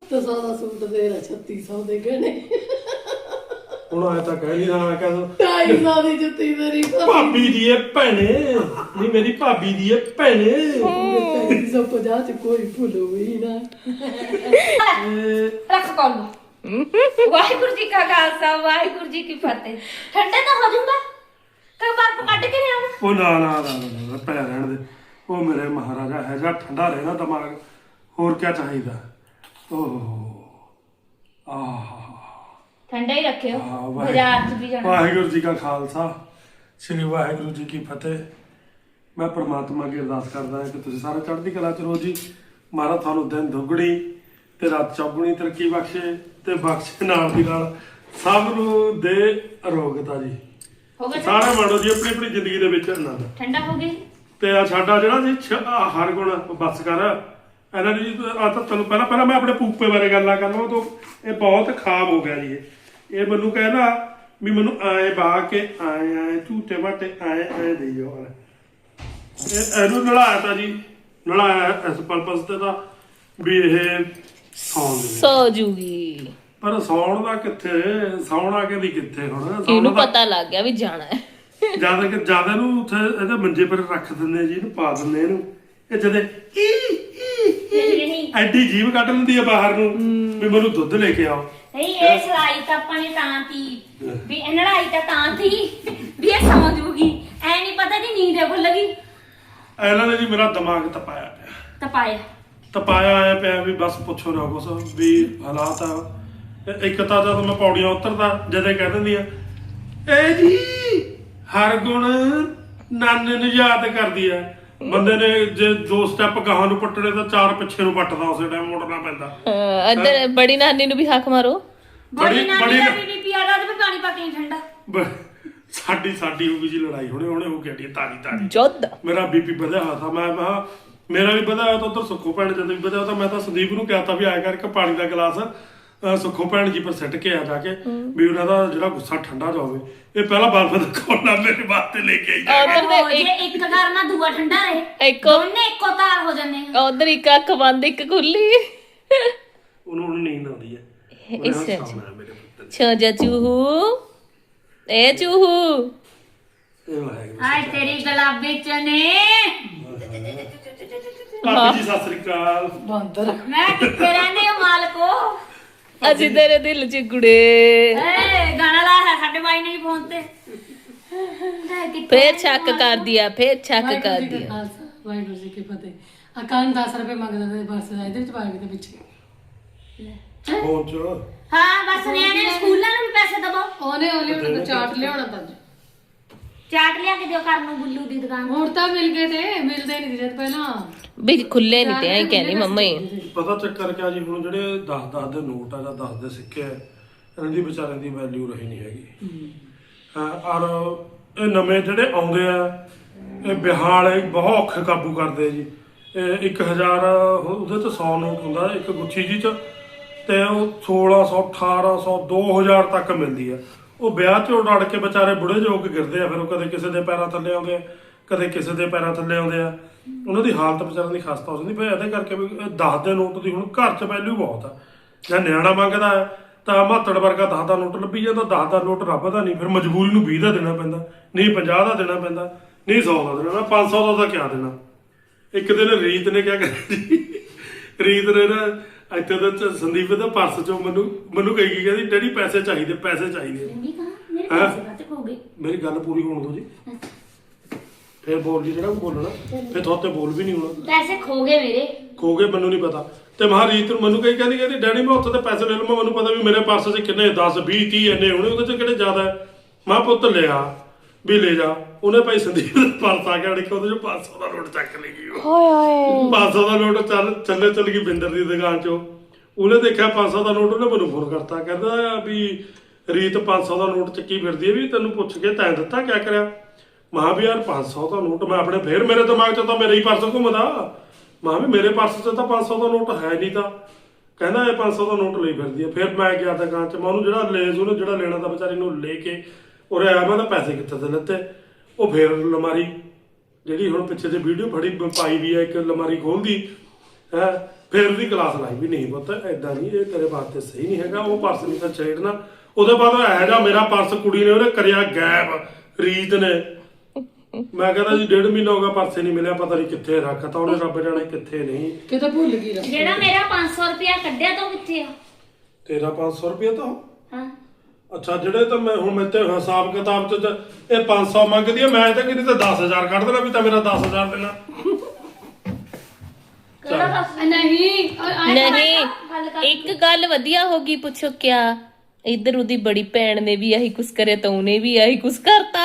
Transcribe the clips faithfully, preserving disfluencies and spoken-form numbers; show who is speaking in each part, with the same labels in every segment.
Speaker 1: तो सौ का सूट दे रहा छत्ती सौ दे गहने
Speaker 2: ਹੁਣ ਆਇਆ ਤਾਂ ਕਹਿ ਨਹੀਂ ਰਹਾ ਕਹਿੰਦਾ
Speaker 1: ढाई सौ की जुत्ती मेरी
Speaker 2: ਭਾਬੀ ਦੀ ਇਹ ਭੈਣੇ ਨਹੀਂ ਮੇਰੀ ਭਾਬੀ ਦੀ ਇਹ ਭੈਣੇ
Speaker 1: तीन सौ पचास च कोई भूल हुई ना
Speaker 3: रख कौन वाहिगुरु जी का खालसा वाहिगुरु जी की फतेह ठंडे तो हो जाऊंगा कब बर्फ कट के ले आऊं
Speaker 2: ਉਹ ਨਾ ਨਾ ਨਾ ਨਾ, ਨਾ ਪੈ ਰਹਿਣ ਦੇ ਉਹ ਮੇਰੇ ਮਹਾਰਾਜਾ ਹੈ ਜਾਂ ਠੰਡਾ ਰਹਿਣਾ ਦਿਮਾਗ ਹੋਰ ਕੀ ਚਾਹੀਦਾ ਓਹ ਆਹ
Speaker 3: ठंडा ही रखियो
Speaker 2: हाँ,
Speaker 3: बाजार च भी जाना
Speaker 2: ਵਾਹਿਗੁਰੂ ਜੀ ਕਾ ਖਾਲਸਾ ਸ੍ਰੀ ਵਾਹਿਗੁਰੂ ਜੀ ਕੀ ਫਤਿਹ ਮੈਂ ਪ੍ਰਮਾਤਮਾ ਅੱਗੇ ਅਰਦਾਸ ਕਰਦਾ ਹਾਂ ਕਿ ਤੁਸੀਂ ਸਾਰੇ ਚੜ੍ਹਦੀ ਕਲਾ ਚ ਰਹੋ ਜੀ ਮਹਾਰਾਜ ਤੁਹਾਨੂੰ ਦਿਨ ਦੁੱਗਣੀ ਤੇ ਰਾਤ ਚੌਗੁਣੀ ਤਰੱਕੀ ਬਖਸ਼ੇ ਤੇ ਬਖਸ਼ੇ ਨਾਲ ਦੀ ਨਾਲ ਸਭ ਨੂੰ ਦੇ ਅਰੋਗਤਾ ਜੀ
Speaker 3: हो गया
Speaker 2: ਸਾਰੇ ਮਾਣੋ ਜੀ ਆਪਣੀ ਆਪਣੀ ਜ਼ਿੰਦਗੀ ਦੇ ਵਿੱਚ ਆਨੰਦ
Speaker 3: ठंडा हो गई
Speaker 2: ਤੇ ਆ ਸਾਡਾ ਜਿਹੜਾ ਜੀ ਛ- ਆਹ ਹਰ ਗੁਣ ਬਸ ਕਰ ਇਹਨਾਂ ਦੀ ਆ ਤਾਂ ਤੁਹਾਨੂੰ ਪਹਿਲਾਂ ਪਹਿਲਾਂ ਮੈਂ ਆਪਣੇ ਪੂਪੇ ਬਾਰੇ ਗੱਲਾਂ ਕਰਨਾ ਤੋਂ ਇਹ ਬਹੁਤ ਖਾਬ ਹੋ ਗਿਆ ਜੀ ਇਹ ਇਹ ਮੈਨੂੰ ਕਹਿੰਦਾ ਵੀ ਮੈਨੂੰ ਆਏ ਬਾ ਕੇ ਆਏ ਆਏ ਝੂਟੇ ਮਾਟੇ ਆਏ ਆਏ ਦੇਈਓ ਇਹ ਇਹਨੂੰ ਨਲਾਇਆ ਤਾਂ ਜੀ ਨਲਾਇਆ ਇਸ ਪਰਪਸ ਤੇ ਤਾਂ ਵੀ ਇਹ ਸੌਣ ਦੇ
Speaker 4: ਸੋ ਜੂਗੀ
Speaker 2: ਪਰ ਸੌਣ ਦਾ ਕਿੱਥੇ ਸੌਣਾ ਕਿ ਨਹੀਂ ਕਿੱਥੇ ਹੁਣ
Speaker 4: ਇਹਨੂੰ ਪਤਾ ਲੱਗ ਗਿਆ ਵੀ ਜਾਣਾ ਹੈ
Speaker 2: ਜਿਆਦਾ ਕਿ ਜਿਆਦਾ ਨੂੰ ਉੱਥੇ ਇਹਦੇ ਮੰਜੇ ਪਰ ਰੱਖ ਦਿੰਦੇ ਜੀ ਇਹਨੂੰ ਪਾ ਦਿੰਦੇ ਇਹਨੂੰ ਇਹ ਜਦੇ
Speaker 3: नहीं
Speaker 2: ਐਡੀ ਜੀਭ ਕੱਢ ਲੈਂਦੀ ਆ ਬਾਹਰ ਨੂੰ ਵੀ ਮੈਨੂੰ ਦੁੱਧ ਲੈ ਕੇ ਆਓ
Speaker 3: नहीं ये सलाई तो अपने तां थी भी लड़ाई तो तां थी भी ये सौ जूगी ऐ नहीं पता कि नींद है लगी
Speaker 2: ਇਹਨਾਂ ਨੇ ਜੀ ਮੇਰਾ ਦਿਮਾਗ ਤਪਾਇਆ ਪਿਆ
Speaker 3: तपाया
Speaker 2: ਤਪਾਇਆ ਆਇਆ ਪਿਆ ਵੀ ਬਸ ਪੁੱਛੋ ਨਾ ਕੁਛ ਵੀ ਹਾਲਾਤ ਆ ਇਹ ਇੱਕ ਤਾਂ ਜਦ ਮੈਂ ਪੌੜੀਆਂ ਉਤਰਦਾ ਜਦੇ ਕਹਿ ਦਿੰਦੀ ਆ ਇਹ ਜੀ ਹਰ ਗੁਣ ਨਾਨੇ ਨੂੰ ਯਾਦ ਕਰਦੀ ਆ ਬੰਦੇ ਨੇ ਜੇ ਦੋ ਸਟੈਪ ਗਾਹਾਂ ਨੂੰ ਪੱਟਣੇ ਤਾਂ ਚਾਰ ਪਿੱਛੇ ਨੂੰ ਪੱਟਦਾ ਉਸੇ ਟਾਈਮ ਮੁੜਨਾ ਪੈਂਦਾ
Speaker 4: ਅਹ ਇੱਧਰ ਬੜੀ ਨਾਨੀ ਨੂੰ ਵੀ ਹੱਕ ਮਾਰੋ
Speaker 3: बड़ी
Speaker 2: बड़ी-
Speaker 3: नानी
Speaker 2: बड़ी-
Speaker 3: का भी बीपी आ रहा था पानी पा के ठंडा
Speaker 2: ਬ- ਸਾਡੀ ਸਾਡੀ ਹੋ ਗਈ ਜੀ ਲੜਾਈ ਹੁਣੇ ਹੁਣੇ ਹੋ ਗਈ ਤਾਰੀ ਤਾਰੀ
Speaker 4: ਜੁੱਧ
Speaker 2: ਮੇਰਾ ਬੀਪੀ ਵਧਿਆ ਹੋਇਆ ਤਾਂ ਮੈਂ ਮੈਂ ਮੇਰਾ ਵੀ ਵਧਿਆ ਹੋਇਆ ਤਾਂ ਉਧਰ ਸੁੱਖੋ ਭੈਣ ਜਦ ਵੀ ਵਧਿਆ ਤਾਂ ਮੈਂ ਤਾਂ ਸੰਦੀਪ ਨੂੰ ਕਿਹਾ ਤਾਂ ਵੀ ਆਇਆ ਕਰਕੇ ਪਾਣੀ ਦਾ ਗਲਾਸ ਅਹ ਸੁੱਖੋ ਭੈਣ ਜੀ ਪਰ ਸਿੱਟ ਕੇ ਆ ਜਾ ਕੇ ਵੀ ਉਹਨਾਂ ਦਾ ਜਿਹੜਾ ਗੁੱਸਾ ਠੰਡਾ ਜਾਵੇ ਇਹ ਪਹਿਲਾਂ ਬਰਫ ਦਾ ਕੋਲਾ ਮੇਰੇ ਵਾਸਤੇ ਲੈ ਕੇ ਆਈ ਜਾ ਕੇ।
Speaker 4: ਉਧਰ
Speaker 3: ओ, जे एक करना दूआ ठंडा रहे
Speaker 4: ਇੱਕ
Speaker 3: दोने एको तार हो जाने
Speaker 4: ਉਧਰ ਇੱਕ ਅੱਖ ਬੰਦ ਇੱਕ ਖੁੱਲੀ
Speaker 2: ਉਹਨੂੰ ਹੁਣ ਨੀਂਦ ਆਉਂਦੀ ਹੈ ਉਹਨੇ ਹੁਣ
Speaker 4: ਇਸ
Speaker 2: ਸੌਣਾ ਹੈ ਮੇਰੇ ਪੁੱਤ ਨੇ।
Speaker 4: ਛੋਜਾ ਚੂਹੂ ਇਹ ਚੂਹੂ
Speaker 2: ਇਹ ਵਾਹਿਗੁਰੂ
Speaker 3: हाय तेरी गुलाबी चने
Speaker 2: ਭਾਬੀ ਜੀ ਸਤਿ ਸ੍ਰੀ ਅਕਾਲ
Speaker 1: बंदर
Speaker 3: मैं किथे रहने हो मालको
Speaker 4: ਅਸੀਂ ਤੇਰੇ ਦਿਲ ਚ ਗੁੜੇ
Speaker 3: ए गाना ला है साडे भाई ने फोन ते किथे
Speaker 4: ਫੇਰ ਸ਼ੱਕ ਕਰਦੀ ਆ ਫੇਰ ਸ਼ੱਕ
Speaker 1: वाहिगुरु जी
Speaker 4: ਕਰਦੀ
Speaker 1: का
Speaker 4: ਆ
Speaker 1: खालसा वाहिगुरु जी की फतेह अकान दस रुपए मंगदा ते बस ਇਹਦੇ ਵਿੱਚ ਪਾਏ ਦੇ ਪਿੱਛੇ
Speaker 2: ਫੋਨ ਚ
Speaker 3: हां बस नियाने स्कूलां ਨੂੰ ਵੀ ਪੈਸੇ ਦਵੋ
Speaker 1: ਉਹਨੇ ਉਹਨੇ ਉਹਨੂੰ ਚਾਟ ਲਿਆਉਣਾ ਤਾਂ
Speaker 3: ਚਾਟ ਲਿਆ ਕੇ ਦਿਓ ਕਰਨ ਨੂੰ ਗੁੱਲੂ ਦੀ ਦੁਕਾਨ
Speaker 1: ਹੁਣ ਤਾਂ ਮਿਲ ਗਏ ਤੇ ਮਿਲਦੇ ਨਹੀਂ ਜਦ ਪਹਿਲਾਂ
Speaker 4: ਵੀ ਖੁੱਲੇ ਨਹੀਂ ਤੇ ਐਂ ਕਹਿੰਦੀ ਮੰਮਾ ਹੀ
Speaker 2: ਪਤਾ ਚੱਕਰ ਕਿਆ ਜੀ ਹੁਣ ਜਿਹੜੇ ਦਸ ਦਸ ਦੇ ਨੋਟ ਆ ਜਾਂ ਦਸ ਦੇ ਸਿੱਕੇ ਆ ਇਹਨਾਂ ਦੀ ਵਿਚਾਰਿਆਂ ਦੀ ਵੈਲਿਊ ਰਹੀ ਨਹੀਂ ਹੈਗੀ ਹਾਂ ਔਰ ਇਹ ਨਵੇਂ ਜਿਹੜੇ ਆਉਂਦੇ ਆ ਇਹ ਵਿਆਹਾਂ ਵਾਲੇ ਬਹੁਤ ਔਖੇ ਕਾਬੂ ਕਰਦੇ ਆ ਜੀ ਇਹ ਇੱਕ ਹਜ਼ਾਰ ਉਹਦੇ ਤੇ ਸੌ ਨੋਟ ਹੁੰਦਾ ਇੱਕ ਗੁੱਛੀ ਜੀ ਚ ਤੇ ਉਹ ਸੋਲਾਂ ਸੌ ਅਠਾਰਾਂ ਸੌ ਦੋ ਹਜ਼ਾਰ ਤੱਕ ਮਿਲਦੀ ਆ ਉਹ ਵਿਆਹ 'ਚ ਉਡ ਕੇ ਵਿਚਾਰੇ ਬੁੜੇ ਜੋ ਕੇ ਗਿਰਦੇ ਆ ਫਿਰ ਉਹ ਕਦੇ ਕਿਸੇ ਦੇ ਪੈਰਾਂ ਥੱਲੇ ਆਉਂਦੇ ਆ ਕਦੇ ਕਿਸੇ ਦੇ ਪੈਰਾਂ ਥੱਲੇ ਆਉਂਦੇ ਆ ਉਹਨਾਂ ਦੀ ਹਾਲਤ ਵਿਚਾਰਿਆਂ ਦੀ ਖਸਤਾ ਹੋ ਜਾਂਦੀ ਫਿਰ ਇਹਦੇ ਕਰਕੇ ਵੀ ਦਸ ਦੇ ਨੋਟ ਦੀ ਹੁਣ ਘਰ 'ਚ ਵੈਲਿਊ ਬਹੁਤ ਆ ਜਾਂ ਨਿਆਣਾ ਮੰਗਦਾ ਹੈ ਤਾਂ ਮਾਤੜ ਵਰਗਾ ਦਸ ਦਾ ਨੋਟ ਲੱਭੀ ਜਾਂਦਾ ਦਸ ਦਾ ਨੋਟ ਰੱਬ ਦਾ ਨਹੀਂ ਫਿਰ ਮਜਬੂਰੀ ਨੂੰ ਵੀਹ ਦਾ ਦੇਣਾ ਪੈਂਦਾ ਨਹੀਂ ਪੰਜਾਹ ਦਾ ਦੇਣਾ ਪੈਂਦਾ ਨਹੀਂ ਸੌ ਦਾ ਦੇਣਾ ਪੰਜ ਸੌ ਦਾ ਤਾਂ ਕਿਆ ਦੇਣਾ ਇੱਕ ਦਿਨ ਰੀਤ ਨੇ ਕਿਆ ਕਰਿਆ ਜੀ ਰੀਤ ਨੇ ਨਾ ਇੱਥੇ ਤਾਂ ਸੰਦੀਪ ਦਾ ਪਰਸ ਚੋਂ ਮੈਨੂੰ ਮੈਨੂੰ ਕਹੀ ਗਈ ਕਹਿੰਦੀ ਡੈਡੀ ਪੈਸੇ ਚਾਹੀਦੇ ਪੈਸੇ ਚਾਹੀਦੇ
Speaker 3: ਨਹੀਂ ਕਹਾ ਮੇਰੇ ਪੈਸੇ ਕਾਤੇ ਖੋ ਗਏ
Speaker 2: ਮੇਰੀ ਗੱਲ ਪੂਰੀ ਹੋਣ ਦਿਓ ਜੀ ਫਿਰ ਬੋਲ ਜੀ ਜਿਹੜਾ ਬੋਲਣਾ ਫਿਰ ਤੁਹਾਤੇ ਬੋਲ ਵੀ ਨਹੀਂ ਹੋਣਾ
Speaker 3: ਪੈਸੇ ਖੋ ਗਏ ਮੇਰੇ
Speaker 2: ਖੋ ਗਏ ਮੈਨੂੰ ਨਹੀਂ ਪਤਾ ਤੇ ਮਹਾਰੀਤ ਨੂੰ ਮੈਨੂੰ ਕਹੀ ਕਹਿੰਦੀ ਕਹਿੰਦੀ ਡੈਡੀ ਮੈਂ ਉੱਥੇ ਤੇ ਪੈਸੇ ਲੈ ਲਵਾਂ ਮੈਨੂੰ ਪਤਾ ਵੀ ਮੇਰੇ ਪਰਸ 'ਚ ਕਿੰਨੇ ਦਸ ਵੀਹ ਤੀਹ ਇੰਨੇ ਹੋਣੇ ਉਹਦੇ 'ਚ ਕਿਹੜੇ ਜ਼ਿਆਦਾ ਹੈ ਮਾਂ ਪੁੱਤ ਲਿਆ ਵੀ ਲੈ ਜਾ ਉਹਨੇ ਭਾਈ ਸੰਦੀਪ ਦਾ ਪਰਸ ਆ ਗਿਆ ਦੇਖੋ ਉਹਦੇ 'ਚੋਂ ਪੰਜ ਸੌ ਦਾ ਨੋਟ ਚੱਕ ਲਈ ਗਈ ਉਹ
Speaker 4: ਹਾਏ ਹਾਏ
Speaker 2: ਪੰਜ ਸੌ ਦਾ ਨੋਟ ਚੱਲ ਚੱਲੇ ਚੱਲ ਗਈ ਬਿੰਦਰ ਦੀ ਦੁਕਾਨ 'ਚੋਂ ਉਹਨੇ ਦੇਖਿਆ ਪੰਜ ਸੌ ਦਾ ਨੋਟ ਉਹਨੇ ਮੈਨੂੰ ਫੋਨ ਕਰਤਾ ਕਹਿੰਦਾ ਵੀ ਰੀਤ ਪੰਜ ਸੌ ਦਾ ਨੋਟ ਚੱਕੀ ਫਿਰਦੀ ਹੈ ਵੀ ਤੈਨੂੰ ਪੁੱਛ ਕੇ ਤੈਂ ਦਿੱਤਾ ਕਿਆ ਕਰਿਆ ਮਹਾਂ ਵੀ ਯਾਰ ਪੰਜ ਸੌ ਦਾ ਨੋਟ ਮੈਂ ਆਪਣੇ ਫੇਰ ਮੇਰੇ ਦਿਮਾਗ 'ਚ ਤਾਂ ਮੇਰਾ ਹੀ ਪਰਸ ਘੁੰਮਦਾ ਮਹਾਂ ਵੀ ਮੇਰੇ ਪਰਸ 'ਚ ਤਾਂ ਪੰਜ ਸੌ ਦਾ ਨੋਟ ਹੈ ਨਹੀਂ ਤਾਂ ਕਹਿੰਦਾ ਇਹ ਪੰਜ ਸੌ ਦਾ ਨੋਟ ਲਈ ਫਿਰਦੀ ਹੈ ਫਿਰ ਮੈਂ ਗਿਆ ਦੁਕਾਨ 'ਚ ਮੈਂ ਉਹਨੂੰ ਜਿਹੜਾ ਲੇਜ਼ ਉਹਨੂੰ ਜਿਹੜਾ ਲੈਣਾ ਤਾਂ ਵਿਚਾਰੀ ਨੂੰ ਲੈ ਕੇ ਉਰੇ ਆਇਆ ਮੈਂ ਤਾਂ ਪੈਸੇ ਕਿੱਥੇ ਦੇ ਲੱਤੇ ਉਹ ਫੇਰ ਅਲਮਾਰੀ ਜਿਹੜੀ ਹੁਣ ਪਿੱਛੇ ਜੇ ਵੀਡੀਓ ਫੜੀ ਪਾਈ ਵੀ ਹੈ ਇੱਕ ਅਲਮਾਰੀ ਖੋਲਦੀ ਹੈ ਫਿਰ ਉਹਦੀ ਕਲਾਸ ਲਾਈ ਵੀ ਨਹੀਂ ਪੁੱਤ ਐਦਾਂ ਨਹੀਂ, ਇਹ ਤੇਰੇ ਵਾਸਤੇ ਸਹੀ ਨਹੀਂ ਹੈਗਾ, ਉਹ ਪਰਸ ਨਹੀਂ ਤਾਂ ਛੇੜਨਾ। ਉਹਦੇ ਬਾਅਦ ਇਹੋ ਜਿਹਾ ਮੇਰਾ ਪਰਸ ਕੁੜੀ ਨੇ ਉਹਨੇ ਕਰਿਆ ਗਾਇਬ, ਰੀਤ ਨੇ। ਮੈਂ ਕਹਿੰਦਾ ਜੀ ਡੇਢ ਮਹੀਨਾ ਹੋ ਗਿਆ ਪਰਸ ਨਹੀਂ ਮਿਲਿਆ, ਪਤਾ ਨਹੀਂ ਕਿੱਥੇ ਰੱਖਤਾ ਉਹਨੇ, ਰੱਬ ਜਾਣੇ ਕਿੱਥੇ ਨਹੀਂ।
Speaker 1: ਕਿਤੇ ਭੁੱਲ ਗਈ ਰੱਖ।
Speaker 3: ਜਿਹੜਾ ਮੇਰਾ ਪੰਜ ਸੌ ਰੁਪਇਆ ਕੱਢਿਆ ਤਾਂ ਉਹ ਕਿੱਥੇ ਆ?
Speaker 2: ਤੇਰਾ ਪੰਜ ਸੌ ਰੁਪਇਆ ਤਾਂ
Speaker 3: ਹਾਂ
Speaker 2: ਅੱਛਾ, ਜਿਹੜੇ ਤਾਂ ਮੈਂ ਹੁਣ ਮੇਰੇ ਤੇ ਹਿਸਾਬ ਕਿਤਾਬ ਚ ਇਹ ਪੰਜ ਸੌ ਮੰਗਦੀ ਆ, ਮੈਂ ਤਾਂ ਕਿਤੇ ਤਾਂ ਦਸ ਹਜ਼ਾਰ ਕੱਢ ਦੇਣਾ ਵੀ ਤਾਂ ਮੇਰਾ ਦਸ ਹਜ਼ਾਰ ਦੇਣਾ।
Speaker 3: ਕਿਹੜਾ ਦੱਸ?
Speaker 1: ਨਹੀਂ
Speaker 4: ਨਹੀਂ ਇੱਕ ਗੱਲ ਵਧੀਆ ਹੋ ਗਈ, ਪੁੱਛੋ ਕਿਆ ਇੱਧਰ ਉਹਦੀ ਬੜੀ ਭੈਣ ਨੇ ਵੀ ਆਹੀ ਕੁਛ ਕਰਿਆ ਤਾਂ ਉਹਨੇ ਵੀ ਆਹੀ ਕੁਛ ਕਰਤਾ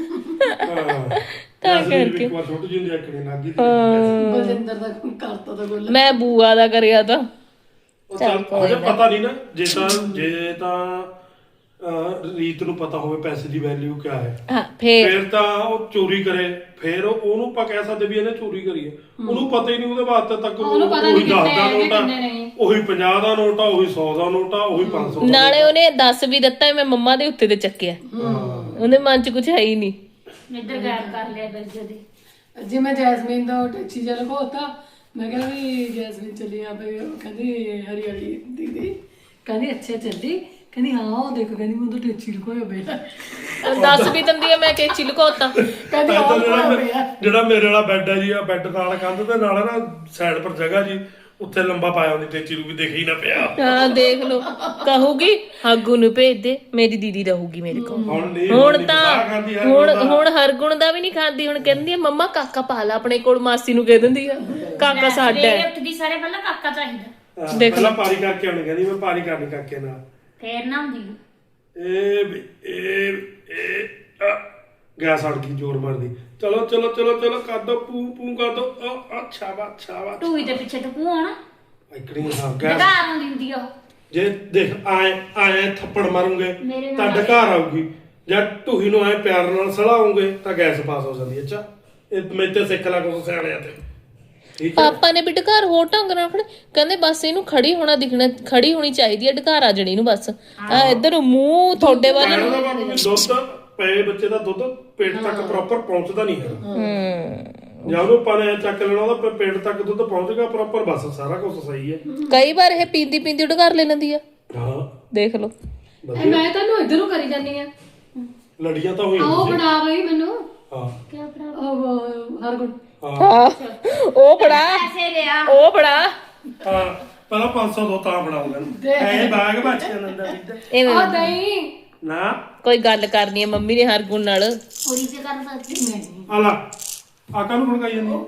Speaker 4: ਤਾਂ ਕਰਕੇ
Speaker 2: ਇੱਕ ਵਾਰ ਛੋਟੀ ਜਿਹੀ ਦੇਖਣੀ ਲੱਗੀ
Speaker 1: ਬਲਜਿੰਦਰ ਦਾ ਕਰਤਾ ਤਾਂ ਗੋਲਾ।
Speaker 4: ਮੈਂ ਬੂਆ ਦਾ ਕਰਿਆ ਤਾਂ
Speaker 2: ਉਹ ਚੱਲ ਹਜੇ ਪਤਾ ਨਹੀਂ ਨਾ, ਜੇ ਤਾਂ ਜੇ ਤਾਂ ਅਹ, ਰੀਤ ਨੂੰ ਪਤਾ ਹੋਵੇ ਪੈਸੇ ਦੀ ਵੈਲਿਊ ਕਿਆ ਹੈ,
Speaker 4: ਹਾਂ ਫੇਰ
Speaker 2: ਫਿਰ ਤਾਂ ਉਹ ਚੋਰੀ ਕਰੇ, ਫਿਰ ਉਹਨੂੰ ਆਪਾਂ ਕਹਿ ਸਕਦੇ ਵੀ ਇਹਨੇ ਚੋਰੀ ਕਰੀ ਹੈ। ਉਹਨੂੰ ਪਤਾ ਹੀ ਨਹੀਂ, ਉਹਦੇ ਵਾਸਤੇ ਤੱਕ
Speaker 1: ਉਹਨੂੰ ਪਤਾ
Speaker 2: ਉਹੀ
Speaker 1: ਨਹੀਂ
Speaker 2: ਦਸ
Speaker 1: ਕਿੰਨੇ
Speaker 2: ਦਾ
Speaker 1: ਹੈਗੇ,
Speaker 2: ਨੋਟ ਆ,
Speaker 1: ਕਿੰਨੇ ਨਹੀਂ।
Speaker 2: ਉਹੀ ਪੰਜਾਹ ਦਾ ਨੋਟ ਆ, ਉਹੀ ਸੌ ਦਾ ਨੋਟ ਆ, ਉਹੀ ਪੰਜ ਸੌ ਦਾ।
Speaker 4: ਨਾਲੇ ਉਹਨੇ ਦੱਸ ਵੀ ਦਿੱਤਾ ਮੈਂ ਮੰਮਾ ਦੇ ਉੱਤੇ ਤੇ ਚੱਕਿਆ, ਉਹਦੇ ਮਨ ਚ ਕੁਝ ਹੈ ਹੀ ਨਹੀਂ।
Speaker 3: ਇੱਧਰ ਗਾਇਬ ਕਰ ਲਿਆ ਫਿਰ ਜਦੀ।
Speaker 1: ਜੇ ਮੈਂ ਜੈਸਮੀਨ ਦਾ ਟੈਕਸੀ ਜਿਹਾ ਲਗਾਤਾ, ਮੈਂ ਕਹਿੰਦਾ ਵੀ ਜੈਸਮੀਨ ਚੱਲੀ ਆ ਪਈ, ਕਹਿੰਦੀ ਹਰੀ ਹਰੀ ਦੀਦੀ, ਕਹਿੰਦੀ ਅੱਛਾ ਚੱਲੀ, ਕਹਿੰਦੀ ਹਾਂ ਉਹ ਦੇਖੋ, ਕਹਿੰਦੀ ਮੈਂ ਤਾਂ ਟੈਕਸੀ ਲਗਾਇਆ ਬੇਟਾ।
Speaker 4: ਦੱਸ ਵੀ ਦਿੰਦੀ ਆ ਮੈਂ ਟੇਚੀ ਲੁਕੋਤਾ।
Speaker 1: ਕਹਿੰਦੀ
Speaker 2: ਇੱਧਰ
Speaker 1: ਉਹ
Speaker 2: ਜਿਹੜਾ
Speaker 1: ਲਗਾਇਆ
Speaker 2: ਮੇ- ਜਿਹੜਾ ਮੇਰੇ ਵਾਲਾ ਬੈੱਡ ਹੈ ਜੀ, ਆ ਬੈੱਡ ਨਾਲ ਕੰਧ ਤੇ ਨਾਲ ਨਾ ਸਾਈਡ ਪਰ ਜਗ੍ਹਾ ਜੀ, ਉੱਥੇ ਲੰਬਾ ਪਾਇਆ ਹੁੰਦੀ ਟੇਚੀ ਨੂੰ ਵੀ ਦੇਖ ਹੀ ਨਾ ਪਿਆ।
Speaker 4: ਹਾਂ ਦੇਖ ਲਓ, ਕਹੂਗੀ ਹਾਗੂ ਨੂੰ ਭੇਜ ਦੇ, ਮੇਰੀ ਦੀਦੀ ਰਹੂਗੀ ਮੇਰੇ ਕੋਲ।
Speaker 2: ਹੁਣ ਨਹੀਂ
Speaker 4: ਹੁਣ
Speaker 2: ਨਹੀਂ
Speaker 4: ਤਾਂ
Speaker 2: ਪਤਾ ਖਾਂਦੀ ਹੈ,
Speaker 4: ਹੁਣ
Speaker 2: ਹੁਣ
Speaker 4: ਹੁਣ ਹਰਗੁਣ ਦਾ ਵੀ ਨਹੀਂ ਖਾਂਦੀ, ਹੁਣ ਕਹਿੰਦੀ ਆ ਮੰਮਾ ਕਾਕਾ ਪਾ ਲਾ ਆਪਣੇ ਕੋਲ, ਮਾਸੀ ਨੂੰ ਕਹਿ ਦਿੰਦੀ ਆ ਕਾਕਾ ਸਾਡਾ
Speaker 3: ਸਵੇਰੇ
Speaker 4: ਹੈ।
Speaker 3: ਉੱਠਦੀ ਸਾਰੇ ਪਹਿਲਾਂ ਕਾਕਾ ਚਾਹੀਦਾ,
Speaker 2: ਹਾਂ,
Speaker 4: ਦੇਖ
Speaker 2: ਪਹਿਲਾਂ ਪਾਰੀ ਕਰਕੇ ਆਉਣੀ, ਕਹਿੰਦੀ ਮੈਂ ਪਾਰੀ ਕਰਨੀ ਕਾਕੇ ਨਾਲ।
Speaker 3: ਫੇਰ ਨਾ ਹੁੰਦੀ
Speaker 2: ਇਹ ਵੀ- ਇਹ ਇਹ ਆ, ਗੈਸ ਅੜ ਗਈ ਜ਼ੋਰ ਮਾਰਦੀ। ਚਲੋ ਚਲੋ ਚਲੋ ਚਲੋ ਕਰ ਦੋ, ਪੂ ਪੂ ਕਰ ਦੋ। ਆ ਅੱਛਾ ਵਾ ਅੱਛਾ ਵਾ
Speaker 3: ਟੂਈ ਦੇ ਪਿੱਛੇ ਟਕੂ ਆਉਣਾ,
Speaker 2: ਇਕੜੀ ਹਾਂ ਗੈਸ।
Speaker 3: ਡਕਾਰ ਨੂੰ ਦਿੰਦੀ ਆ ਉਹ।
Speaker 2: ਜੇ ਦੇਖ ਆਏ ਆਏ ਥੱਪੜ ਮਾਰੂਗੇ
Speaker 3: ਮੇਰੇ
Speaker 2: ਤਾਂ
Speaker 3: ਨਾਲ
Speaker 2: ਡਕਾਰ ਆਊਗੀ, ਜਾਂ ਢੂਹੀ ਨੂੰ ਆਏ ਪਿਆਰ ਨਾਲ ਸਲਾਉਂਗੇ ਤਾਂ ਗੈਸ ਪਾਸ ਹੋ ਜਾਂਦੀ ਹੈ। ਅੱਛਾ ਇਹ ਮੈਂ ਤੇ ਸਿੱਖ ਲਾ ਕੁਛ ਸਿਆਣਿਆਂ ਤੇ, ਠੀਕ ਹੈ।
Speaker 4: ਪਾਪਾ ਨੇ ਵੀ ਢਕਾਰ ਹੋਰ ਢੰਗ ਨਾਲ ਰੱਖਣੇ, ਕਹਿੰਦੇ ਬਸ ਇਹਨੂੰ ਖੜੀ ਹੋਣਾ ਦਿਖਣਾ, ਖੜੀ ਹੋਣੀ ਚਾਹੀਦੀ ਹੈ, ਢਕਾਰ ਆ ਜਣੀ ਨੂੰ ਬਸ। ਆ ਇੱਧਰ ਮੂੰਹ ਤੁਹਾਡੇ ਵੱਲ
Speaker 2: ਕਹਿਣ ਦਾ ਭਾਵ ਵੀ ਦੁੱਧ ਪਏ ਬੱਚੇ ਦਾ ਦੁੱਧ ਪੇਟ ਤੱਕ ਪ੍ਰੋਪਰ ਪਹੁੰਚਦਾ ਨਹੀਂ ਹੈ।
Speaker 4: ਹੂੰ
Speaker 2: ਜਾਂ ਉਹਨੂੰ ਪਾਣੇ ਚੱਕ ਲੈਣਾ, ਉਹਦਾ ਪੇਟ ਤੱਕ ਦੁੱਧ ਪਹੁੰਚੇਗਾ ਪ੍ਰੋਪਰ, ਬਸ ਸਾਰਾ ਕੁਝ ਸਹੀ ਹੈ।
Speaker 4: ਕਈ ਵਾਰ ਇਹ ਪੀਂਦੀ ਪੀਂਦੀ ਢਕਾਰ ਲੈ ਲੈਂਦੀ ਆ,
Speaker 2: ਹਾਂ
Speaker 4: ਦੇਖ ਲਓ।
Speaker 1: ਇਹ ਮੈਂ ਤੈਨੂੰ ਇੱਧਰ ਨੂੰ ਕਰੀ ਜਾਂਦੀ ਆ,
Speaker 2: ਲੜੀਆਂ ਤਾਂ ਹੋਈਆਂ
Speaker 1: ਆਓ
Speaker 2: ਸੀ।
Speaker 1: ਬਣਾ ਬਈ ਮੈਨੂੰ
Speaker 2: ਹਾਂ
Speaker 3: ਕਿਆ ਬਣਾ
Speaker 1: ਉਹ ਹਰਗੁਣ
Speaker 2: ਹਾਂ
Speaker 4: ਹਾਂ ਉਹ ਬੜਾ
Speaker 3: ਪੈਸੇ ਲਿਆ
Speaker 4: ਉਹ ਬੜਾ
Speaker 2: ਹਾਂ ਪਹਿਲਾਂ ਪੰਜ ਸੌ ਦੋ ਤਾਂ ਬਣਾਉਂਗਾ ਐ ਬਾਗ ਬਾਚਿਆ ਨੰਦਾ ਵਿੱਚ
Speaker 4: ਐਵੇਂ
Speaker 1: ਆ ਦਹੀਂ
Speaker 2: ਨਾ
Speaker 4: ਕੋਈ ਗੱਲ ਕਰਨੀ ਹੈ ਮੰਮੀ ਨੇ ਹਰਗੁਣ ਨਾਲ।
Speaker 3: ਹੋਰੀ ਤੇ ਕਰ ਸਕਦੀ
Speaker 1: ਨਹੀਂ
Speaker 2: ਆਲਾ ਆਕਾ ਨੂੰ ਖੜਕਾਈ ਜਾਂਦੀ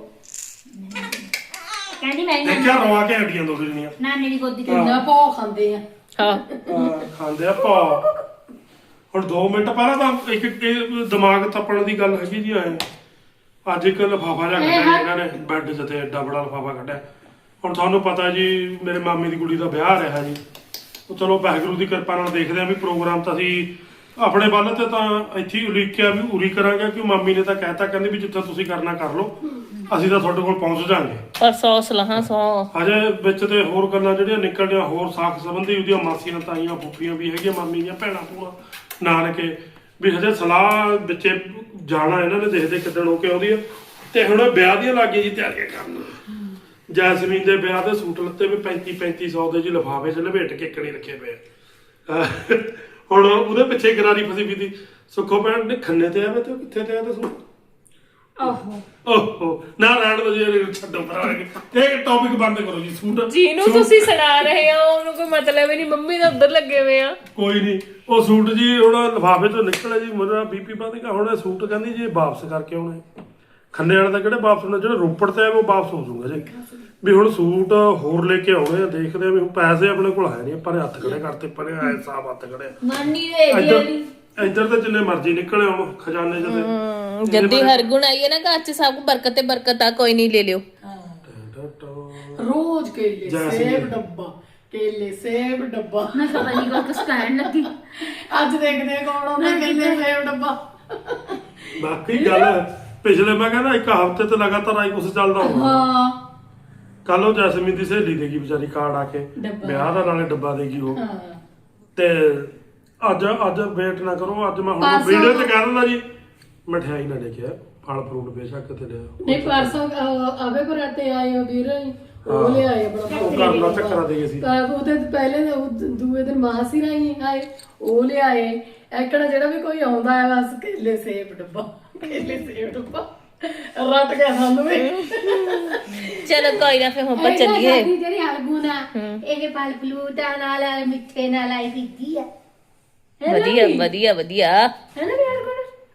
Speaker 3: ਕਹਿੰਦੀ ਮੈਂ ਨਾ
Speaker 2: ਦੇਖਿਆ ਰਵਾ ਕੇ ਹੱਡੀਆਂ ਦੋ ਦਿਨੀਆਂ
Speaker 3: ਨਾਨੀ ਦੀ ਗੋਦੀ ਤੇ
Speaker 1: ਕਿੰਨਾ ਭੌ ਖਾਂਦੇ ਆ।
Speaker 4: ਹਾਂ
Speaker 2: ਖਾਂਦੇ ਆ ਪਾ। ਹੁਣ ਦੋ ਮਿੰਟ ਪਹਿਲਾਂ ਤਾਂ ਇੱਕ ਇੱਕ ਦਿਮਾਗ ਥੱਪਣ ਦੀ ਗੱਲ ਹੈਗੀ ਜੀ ਆਏ ਅੱਜ ਇੱਕ ਲਿਫਾਫਾ ਜਿਹਾ ਕੱਢਿਆ ਜੀ ਇਹਨਾਂ ਨੇ ਬੈੱਡ 'ਚ ਤੇ ਐਡਾ ਬੜਾ ਲਿਫਾਫਾ ਕੱਢਿਆ। ਹੁਣ ਤੁਹਾਨੂੰ ਪਤਾ ਜੀ ਮੇਰੇ ਮਾਮੇ ਦੀ ਕੁੜੀ ਦਾ ਵਿਆਹ ਰਿਹਾ ਜੀ, ਉਹ ਚਲੋ ਵਾਹਿਗੁਰੂ ਦੀ ਕਿਰਪਾ ਨਾਲ ਦੇਖਦੇ ਆ ਵੀ ਪ੍ਰੋਗਰਾਮ ਤਾਂ ਅਸੀਂ ਆਪਣੇ ਵੱਲ ਤੇ ਤਾਂ ਇੱਥੇ ਹੀ ਉਲੀਕਿਆ ਵੀ ਉਰੀ ਕਰਾਂਗੇ, ਕਿ ਮਾਮੀ ਨੇ ਤਾਂ ਕਹਿਤਾ ਕਹਿੰਦੀ ਵੀ ਜਿੱਥੇ ਤੁਸੀਂ ਕਰਨਾ ਕਰ ਲਓ, ਅਸੀਂ ਤਾਂ ਤੁਹਾਡੇ ਕੋਲ ਪਹੁੰਚ ਜਾਾਂਗੇ।
Speaker 4: ਪਰ ਸੌ ਸਲਾਹਾਂ ਸੌ
Speaker 2: ਹਜੇ ਵਿੱਚ ਤੇ ਹੋਰ ਗੱਲਾਂ ਜਿਹੜੀਆਂ ਨਿਕਲਦੀਆਂ ਹੋਰ ਸਾਖ ਸੰਬੰਧੀ ਉਹਦੀਆਂ ਮਾਸੀਆਂ ਤਾਈਆਂ ਫੁੱਫੀਆਂ ਵੀ ਹੈਗੀਆਂ, ਮਾਮੀ ਦੀਆਂ ਭੈਣਾਂ ਭੂਆ ਨਾਨਕੇ ਵੀ ਹਜੇ ਸਲਾਹ ਵਿੱਚੇ ਜਾਣਾ ਇਹਨਾਂ ਨੇ, ਦੇਖਦੇ ਕਿੱਦਣ ਹੋ ਕੇ ਆਉਂਦੀ ਆ। ਤੇ ਹੁਣ ਵਿਆਹ ਦੀਆਂ ਲੱਗੇ ਜੀ ਤਿਆਰੀਆਂ ਕਰਨ। ਜੈਸਮੀਨ ਦੇ ਵਿਆਹ ਦੇ ਸੂਟ ਲੱਤੇ ਵੀ ਪੈਂਤੀ ਪੈਂਤੀ ਸੌ ਦੇ ਜੀ ਲਿਫਾਫੇ 'ਚ ਲਪੇਟ ਕੇ ਕਣੀ ਰੱਖੇ ਪਏ ਆ। ਹੁਣ ਉਹਦੇ ਪਿੱਛੇ ਗਰਾਰੀ ਫਸੀ ਵੀ ਦੀ ਸੁੱਖੋ ਭੈਣ ਨੇ ਖੰਨੇ ਤੇ ਆਵੇ ਤੇ ਉਹ ਕਿੱਥੇ ਤੇ ਆ ਤੇ ਸੂਟ
Speaker 3: ਓਹੋ
Speaker 2: ਓਹੋ ਨਾ ਰਹਿਣ ਦੋ ਜੀ, ਛੱਡੋ ਪਰਾਂ ਇਹ ਟੌਪਿਕ ਬੰਦ ਕਰੋ ਜੀ। ਸੂਟ
Speaker 4: ਜਿਹਨੂੰ ਤੁਸੀਂ ਸੁਣਾ ਰਹੇ ਹੋ ਉਹਨੂੰ ਕੋਈ ਮਤਲਬ ਹੀ ਨਹੀਂ, ਮੰਮੀ ਦਾ ਉੱਧਰ ਲੱਗੇ ਹੋਏ ਆ।
Speaker 2: ਕੋਈ ਨਹੀਂ ਉਹ ਸੂਟ ਜੀ ਹੁਣ ਲਿਫਾਫੇ ਤੋਂ ਨਿਕਲਿਆ ਜੀ, ਮੇਰਾ ਬੀਪੀ ਵੱਧ ਗਿਆ। ਹੁਣ ਇਹ ਸੂਟ ਕਹਿੰਦੀ ਜੀ ਵਾਪਸ ਕਰਕੇ ਆਉਣੇ, ਖੰਨੇ ਵਾਲੇ ਦਾ ਕਿਹੜੇ ਵਾਪਸ ਹੋਣੇ, ਜਿਹੜੇ ਰੋਪੜ ਤੇ ਆ ਉਹ ਵਾਪਸ ਹੋ ਜਾਊਗਾ ਜੀ। ਵੀ ਹੁਣ ਸੂਟ ਹੋਰ ਲੈ ਕੇ ਆਉਣੇ ਆ, ਦੇਖਦੇ ਆ ਵੀ ਹੁਣ ਪੈਸੇ ਆਪਣੇ ਕੋਲ ਹੈ ਨਹੀਂ, ਆਪਾਂ ਨੇ ਹੱਥ ਖੜੇ ਕਰਤੇ ਪਰੇ ਆਏ ਸਾਬ ਹੱਥ ਖੜੇ।
Speaker 3: ਨਾਨੀ ਦੇ
Speaker 2: ਇੱਧਰ ਇੱਧਰ ਤਾਂ ਜਿੰਨੇ ਮਰਜ਼ੀ ਨਿਕਲੇ ਆਉਣ ਖਜ਼ਾਨੇ ਚ ਤੇ
Speaker 4: ਜੱਦੀ ਹਰਗੁਣ ਆਈ ਹੈ ਨਾ ਘਰ ਚ, ਸਭ ਬਰਕਤ ਤੇ ਬਰਕਤ ਆ, ਕੋਈ ਨਹੀਂ ਲੈ ਲਿਓ।
Speaker 1: ਰੋਜ਼ ਕੇਲੇ ਸੇਬ ਡੱਬਾ, ਕੇਲੇ ਸੇਬ ਡੱਬਾ।
Speaker 3: ਮੈਂ ਪਤਾ ਨਹੀਂ ਕੋ ਕੁਛ ਕਹਿਣ ਲੱਗੀ।
Speaker 1: ਅੱਜ ਦੇਖਦੇ ਆ ਕੌਣ ਆਉਂਦਾ ਕੇਲੇ ਸੇਬ ਡੱਬਾ।
Speaker 2: ਬਾਕੀ ਗੱਲ ਪਿਛਲੇ ਮੈਂ ਕਹਿੰਦਾ ਇੱਕ ਹਫ਼ਤੇ ਤੇ ਲਗਾਤਾਰ ਆਈ ਕੁਛ ਚੱਲਦਾ ਹੋਣਾ।
Speaker 1: ਹਾਂ
Speaker 2: ਕੱਲ ਉਹ ਜੈਸਮੀਨ ਦੀ ਸਹੇਲੀ ਦੇਗੀ ਵਿਚਾਰੀ ਕਾਰਡ ਆ ਕੇ
Speaker 1: ਡੱਬਾ।
Speaker 2: ਵਿਆਹ ਦਾ, ਨਾਲੇ ਡੱਬਾ ਦੇਗੀ ਉਹ।
Speaker 1: ਹਾਂ
Speaker 2: ਤੇ ਅੱਜ ਅੱਜ ਵੇਟ ਨਾ ਕਰੋ, ਅੱਜ ਮੈਂ ਹੁਣ
Speaker 1: ਪਰਸੋਂ-
Speaker 2: ਵੀਡੀਓ ਤੇ ਕਹਿ ਦਿੰਦਾ ਜੀ ਮਠਿਆਈ ਨਾ ਲੈ ਕੇ ਆ, ਫਲ ਫਰੂਟ ਬੇਸ਼ੱਕ ਤੇ ਲਿਆ।
Speaker 1: ਨਹੀਂ ਪਰਸੋਂ ਅਹ, ਆਵੇ ਪਰ ਤੇ ਆਏ ਹੋ ਵੀਰ, ਉਹ ਲਿਆਏ ਆਪਣਾ
Speaker 2: ਉਹ ਘਰ ਦਾ ਚੱਕਰਾ ਦੇ ਗਏ ਸੀ
Speaker 1: ਤਾਂ ਉਹਦੇ ਪਹਿਲੇ ਦਿਨ- ਉਹ ਦੂਏ ਦਿਨ ਮਾਸੀ ਰਾਈ ਆਏ ਉਹ ਲਿਆਏ ਐਕੜਾ ਜਿਹੜਾ ਵੀ ਕੋਈ ਆਉਂਦਾ ਹੈ ਬਸ ਕੇਲੇ ਸੇਬ ਡੱਬਾ ਕੇਲੇ ਸੇਬ ਡੱਬਾ ਰੱਟ ਗਿਆ ਸਾਨੂੰ ਵੀ
Speaker 4: ਚਲੋ ਕੋਈ ਨਾ ਫਿਰ ਹੁਣ ਆਪਾਂ ਚੱਲੀਏ
Speaker 3: ਸਾਡੀ ਜਿਹੜੀ ਹਰਗੁਣ ਆ ਇਹ ਫਲ ਫਲੂਟਾਂ ਨਾਲ ਮਿੱਠੇ ਨਾਲ ਆਈ ਪੀਤੀ ਆ
Speaker 4: ਵਧੀਆ ਵਧੀਆ ਵਧੀਆ
Speaker 3: ਹੈ ਨਾ ਵੀ ਹਰਗੁਣ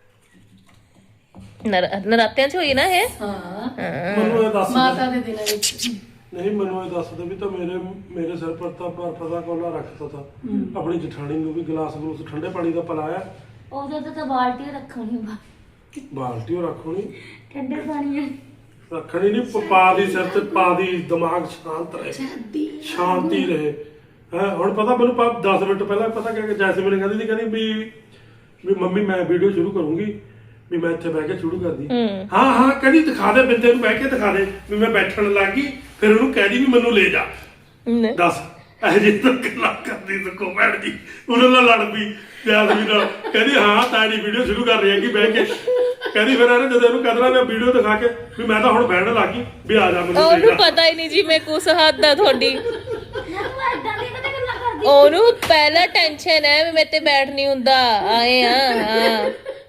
Speaker 4: ਨਰ- ਨਰਾਤਿਆਂ ਚ ਹੋਈ ਨਾ ਇਹ
Speaker 1: ਹਾਂ
Speaker 2: ਮੈਨੂੰ ਇਹ ਦੱਸ
Speaker 1: ਮਾਤਾ ਦੇ ਦਿਨਾਂ ਵਿੱਚ
Speaker 2: ਨਹੀਂ ਮੈਨੂੰ ਇਹ ਦੱਸ ਦੇ ਵੀ ਤਾਂ ਮੇਰੇ ਮੇਰੇ ਸਿਰ ਪਰ ਤਾਂ ਬਰਫ ਦਾ ਕੋਲਾ ਰੱਖਤਾ ਤਾ ਆਪਣੀ ਜਠਾਣੀ ਨੂੰ ਵੀ ਗਲਾਸ ਗਲੂਸ ਠੰਡੇ ਪਾਣੀ ਦਾ ਪਿਲਾਇਆ
Speaker 3: ਉਦੋਂ ਤਾਂ ਤਾਂ ਬਾਲਟੀ ਰੱਖਣੀ ਬਾ
Speaker 2: ਬਾਲਟੀ ਉਹ ਰੱਖਣੀ
Speaker 3: ਠੰਡੇ ਪਾਣੀ
Speaker 2: ਰੱਖਣੀ ਨਹੀਂ ਪਾ ਦੀ ਸਿਰ ਤੇ ਪਾ ਦੀ ਦਿਮਾਗ ਸ਼ਾਂਤ ਰਹੇ ਸ਼ਾਂਤੀ ਰਹੇ ਹੈ ਹੁਣ ਪਤਾ ਮੈਨੂੰ ਦਸ ਮਿੰਟ ਪਹਿਲਾਂ ਪਤਾ ਕਿ ਜੈਸਮੀਨ ਕਹਿੰਦੀ ਸੀ ਕਹਿੰਦੀ ਵੀ ਵੀ ਮੰਮੀ ਮੈਂ ਵੀਡੀਓ ਸ਼ੁਰੂ ਕਰੂੰਗੀ ਵੀ ਮੈਂ ਇੱਥੇ ਬਹਿ ਕੇ ਸ਼ੁਰੂ ਕਰਦੀ ਹਾਂ ਹਾਂ ਕਹਿੰਦੀ ਦਿਖਾ ਦੇ ਬਿੰਦੇ ਨੂੰ ਬਹਿ ਕੇ ਦਿਖਾ ਦੇ ਵੀ ਮੈਂ ਬੈਠਣ ਲੱਗ ਗਈ ਫਿਰ ਉਹਨੂੰ ਕਹਿਦੀ ਵੀ ਮੈਨੂੰ ਲੈ ਜਾ ਦੱਸ ਇਹ ਜੇ ਤੱਕ ਗੱਲਾਂ ਕਰਦੀ ਸਕੋ ਭੈਣ ਜੀ ਉਹਨਾਂ ਨਾਲ ਲੜ ਪਈ ਜੈਸਮੀਨ ਨਾਲ ਕਹਿੰਦੀ ਹਾਂ ਤਾਂ ਨਹੀਂ ਵੀਡੀਓ ਸ਼ੁਰੂ ਕਰ ਰਹੀ ਹੈ ਕਿ ਬਹਿ ਕੇ ਕਹਿੰਦੀ ਫਿਰ ਇਹਨੇ ਜਦੋਂ ਇਹਨੂੰ ਕਹਿੰਦਾ ਮੈਂ ਵੀਡੀਓ ਦਿਖਾ ਕੇ ਵੀ ਮੈਂ ਤਾਂ ਹੁਣ ਬਹਿਣ ਲੱਗੀ ਵੀ ਆ ਜਾ ਮੈਨੂੰ ਲੈ
Speaker 4: ਉਹਨੂੰ
Speaker 2: ਜਾ
Speaker 4: ਪਤਾ ਹੀ ਨਹੀਂ ਜੀ ਮੈਂ ਕੁਸ ਹੱਦ ਆ ਤੁਹਾਡੀ
Speaker 3: ਤੂੰ ਐਦਾਂ ਦੀ ਕਦੇ ਗੱਲਾਂ ਕਰਦੀ
Speaker 4: ਉਹਨੂੰ ਪਹਿਲਾਂ ਟੈਨਸ਼ਨ ਹੈ ਵੀ ਮੇਰੇ ਤੇ ਬੈਠ ਨਹੀਂ ਹੁੰਦਾ ਆਏ ਆ ਹਾਂ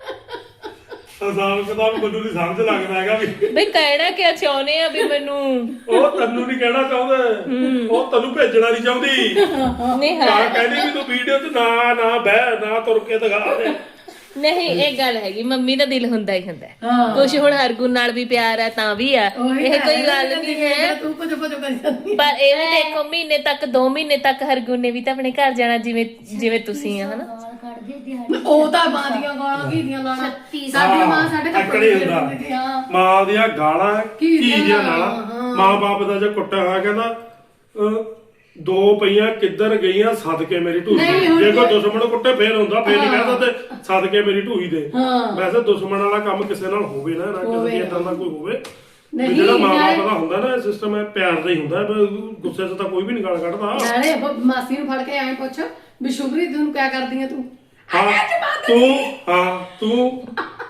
Speaker 2: ਹਿਸਾਬ ਕਿਤਾਬ ਮੈਨੂੰ ਨਹੀਂ ਸਮਝ ਲੱਗਦਾ ਹੈਗਾ ਵੀ
Speaker 4: ਬਈ ਕਹਿਣਾ ਕਿਆ ਚਾਹੁੰਦੇ ਆ ਵੀ ਮੈਨੂੰ
Speaker 2: ਉਹ ਤੈਨੂੰ ਨਹੀਂ ਕਹਿਣਾ ਚਾਹੁੰਦਾ ਉਹ ਤੈਨੂੰ ਭੇਜਣਾ ਨਹੀਂ ਚਾਹੁੰਦੀ
Speaker 4: ਨਹੀਂ
Speaker 2: ਤਾਂ
Speaker 4: ਹੈ
Speaker 2: ਕਹਿੰਦੀ ਵੀ ਤੂੰ ਵੀਡੀਓ 'ਚ ਨਾ ਨਾ ਬਹਿ ਨਾ ਤੁਰ ਕੇ ਦਿਖਾ ਦੇ
Speaker 4: ਨਹੀਂ ਇਹ ਗੱਲ ਹੈਗੀ ਮੰਮੀ ਦਾ ਦਿਲ ਹੁੰਦਾ ਹੀ ਹੁੰਦਾ
Speaker 1: ਹਾਂ।
Speaker 4: ਕੁਛ ਹੁਣ ਹਰਗੁਣ ਨਾਲ ਵੀ ਪਿਆਰ ਹੈ ਤਾਂ ਵੀ ਆ
Speaker 1: ਉਹੀ
Speaker 4: ਇਹ
Speaker 1: ਤਾਂ
Speaker 4: ਕੋਈ
Speaker 1: ਹੈ,
Speaker 4: ਗੱਲ
Speaker 1: ਕਹਿੰਦੀ
Speaker 4: ਨਹੀਂ ਹੈ
Speaker 1: ਤੂੰ ਕੁਝ ਕੁਝ ਕਰੀ ਜਾਂਦੀ
Speaker 4: ਪਰ ਇਹ ਵੀ ਦੇਖੋ ਮਹੀਨੇ ਤੱਕ ਦੋ ਮਹੀਨੇ ਤੱਕ ਹਰਗੁਣ ਨੇ ਵੀ ਤਾਂ ਆਪਣੇ ਘਰ ਜਾਣਾ ਜਿਵੇਂ ਜਿਵੇਂ ਤੁਸੀਂ ਆ ਹਨਾ
Speaker 3: ਗਾਲ ਕੱਢਦੇ ਦਿਹਾੜੀ
Speaker 1: ਉਹ ਤਾਂ ਮਾਂ ਦੀਆਂ ਗਾਲਾਂ ਕੀ ਦੀਆਂ ਗਾਲਾਂ
Speaker 3: ਸੱਤੀ
Speaker 1: ਸਾਡੀ ਮਾਂ ਸਾਡੇ
Speaker 2: ਆਕੜੇ
Speaker 1: ਕੱਪੜੇ
Speaker 2: ਹੁੰਦਾ।
Speaker 1: ਹੁੰਦੀ ਸੀ ਹਾਂ
Speaker 2: ਮਾਂ ਦੀਆਂ ਗਾਲਾਂ
Speaker 1: ਕੀ
Speaker 2: ਕੀ ਦੀਆਂ
Speaker 1: ਦੀਆਂ
Speaker 2: ਗਾਲਾਂ
Speaker 1: ਹਾਂ।
Speaker 2: ਮਾਂ ਬਾਪ ਦਾ ਜੇ ਕੁੱਟਿਆ ਹੋਇਆ ਕਹਿੰਦਾ ਅਹ, ਦੋ ਪਈਆਂ ਕਿੱਧਰ ਗਈਆਂ ਸਦਕੇ ਮੇਰੀ ਢੂਹੀ
Speaker 1: ਨਹੀਂ,
Speaker 2: ਦੇ
Speaker 1: ਹੁਣ
Speaker 2: ਜੇ ਕੋਈ
Speaker 1: ਤਾਂ-
Speaker 2: ਦੁਸ਼ਮਣ ਕੁੱਟੇ ਫੇਰ ਹੁੰਦਾ ਫੇਰ ਨਹੀਂ ਕਹਿੰਦਾ ਤੇ ਸਦਕੇ ਮੇਰੀ ਢੂਹੀ ਦੇ
Speaker 1: ਹਾਂ।
Speaker 2: ਵੈਸੇ ਦੁਸ਼ਮਣ ਵਾਲਾ ਕੰਮ ਕਿਸੇ ਨਾਲ ਹੋਵੇ ਨਾ ਨਾ ਕਿਸੇ ਦੀ ਇਦਾਂ ਦਾ ਕੋਈ ਹੋਵੇ ਵੀ
Speaker 1: ਨਹੀਂ,
Speaker 2: ਜਿਹੜਾ ਮਾਂ ਬਾਪ
Speaker 1: ਨਾਲੇ-
Speaker 2: ਦਾ ਹੁੰਦਾ ਨਾ ਸਿਸਟਮ ਹੈ ਪਿਆਰ ਦਾ ਹੀ ਹੁੰਦਾ ਵੀ ਗੁੱਸੇ 'ਚ ਤਾਂ ਕੋਈ ਵੀ ਨਹੀਂ ਗਾਲ ਕੱਢਦਾ
Speaker 1: ਨਾਲੇ ਬ- ਮਾਸੀ ਨੂੰ ਫੜ ਕੇ ਐਂ ਪੁੱਛ ਵੀ ਸ਼ੁਭਰੀ ਤੂੰ ਕਿਆ ਕਰਦੀ ਆ ਤੂੰ
Speaker 2: ਹਾਂ ਤੂੰ ਹਾਂ ਤੂੰ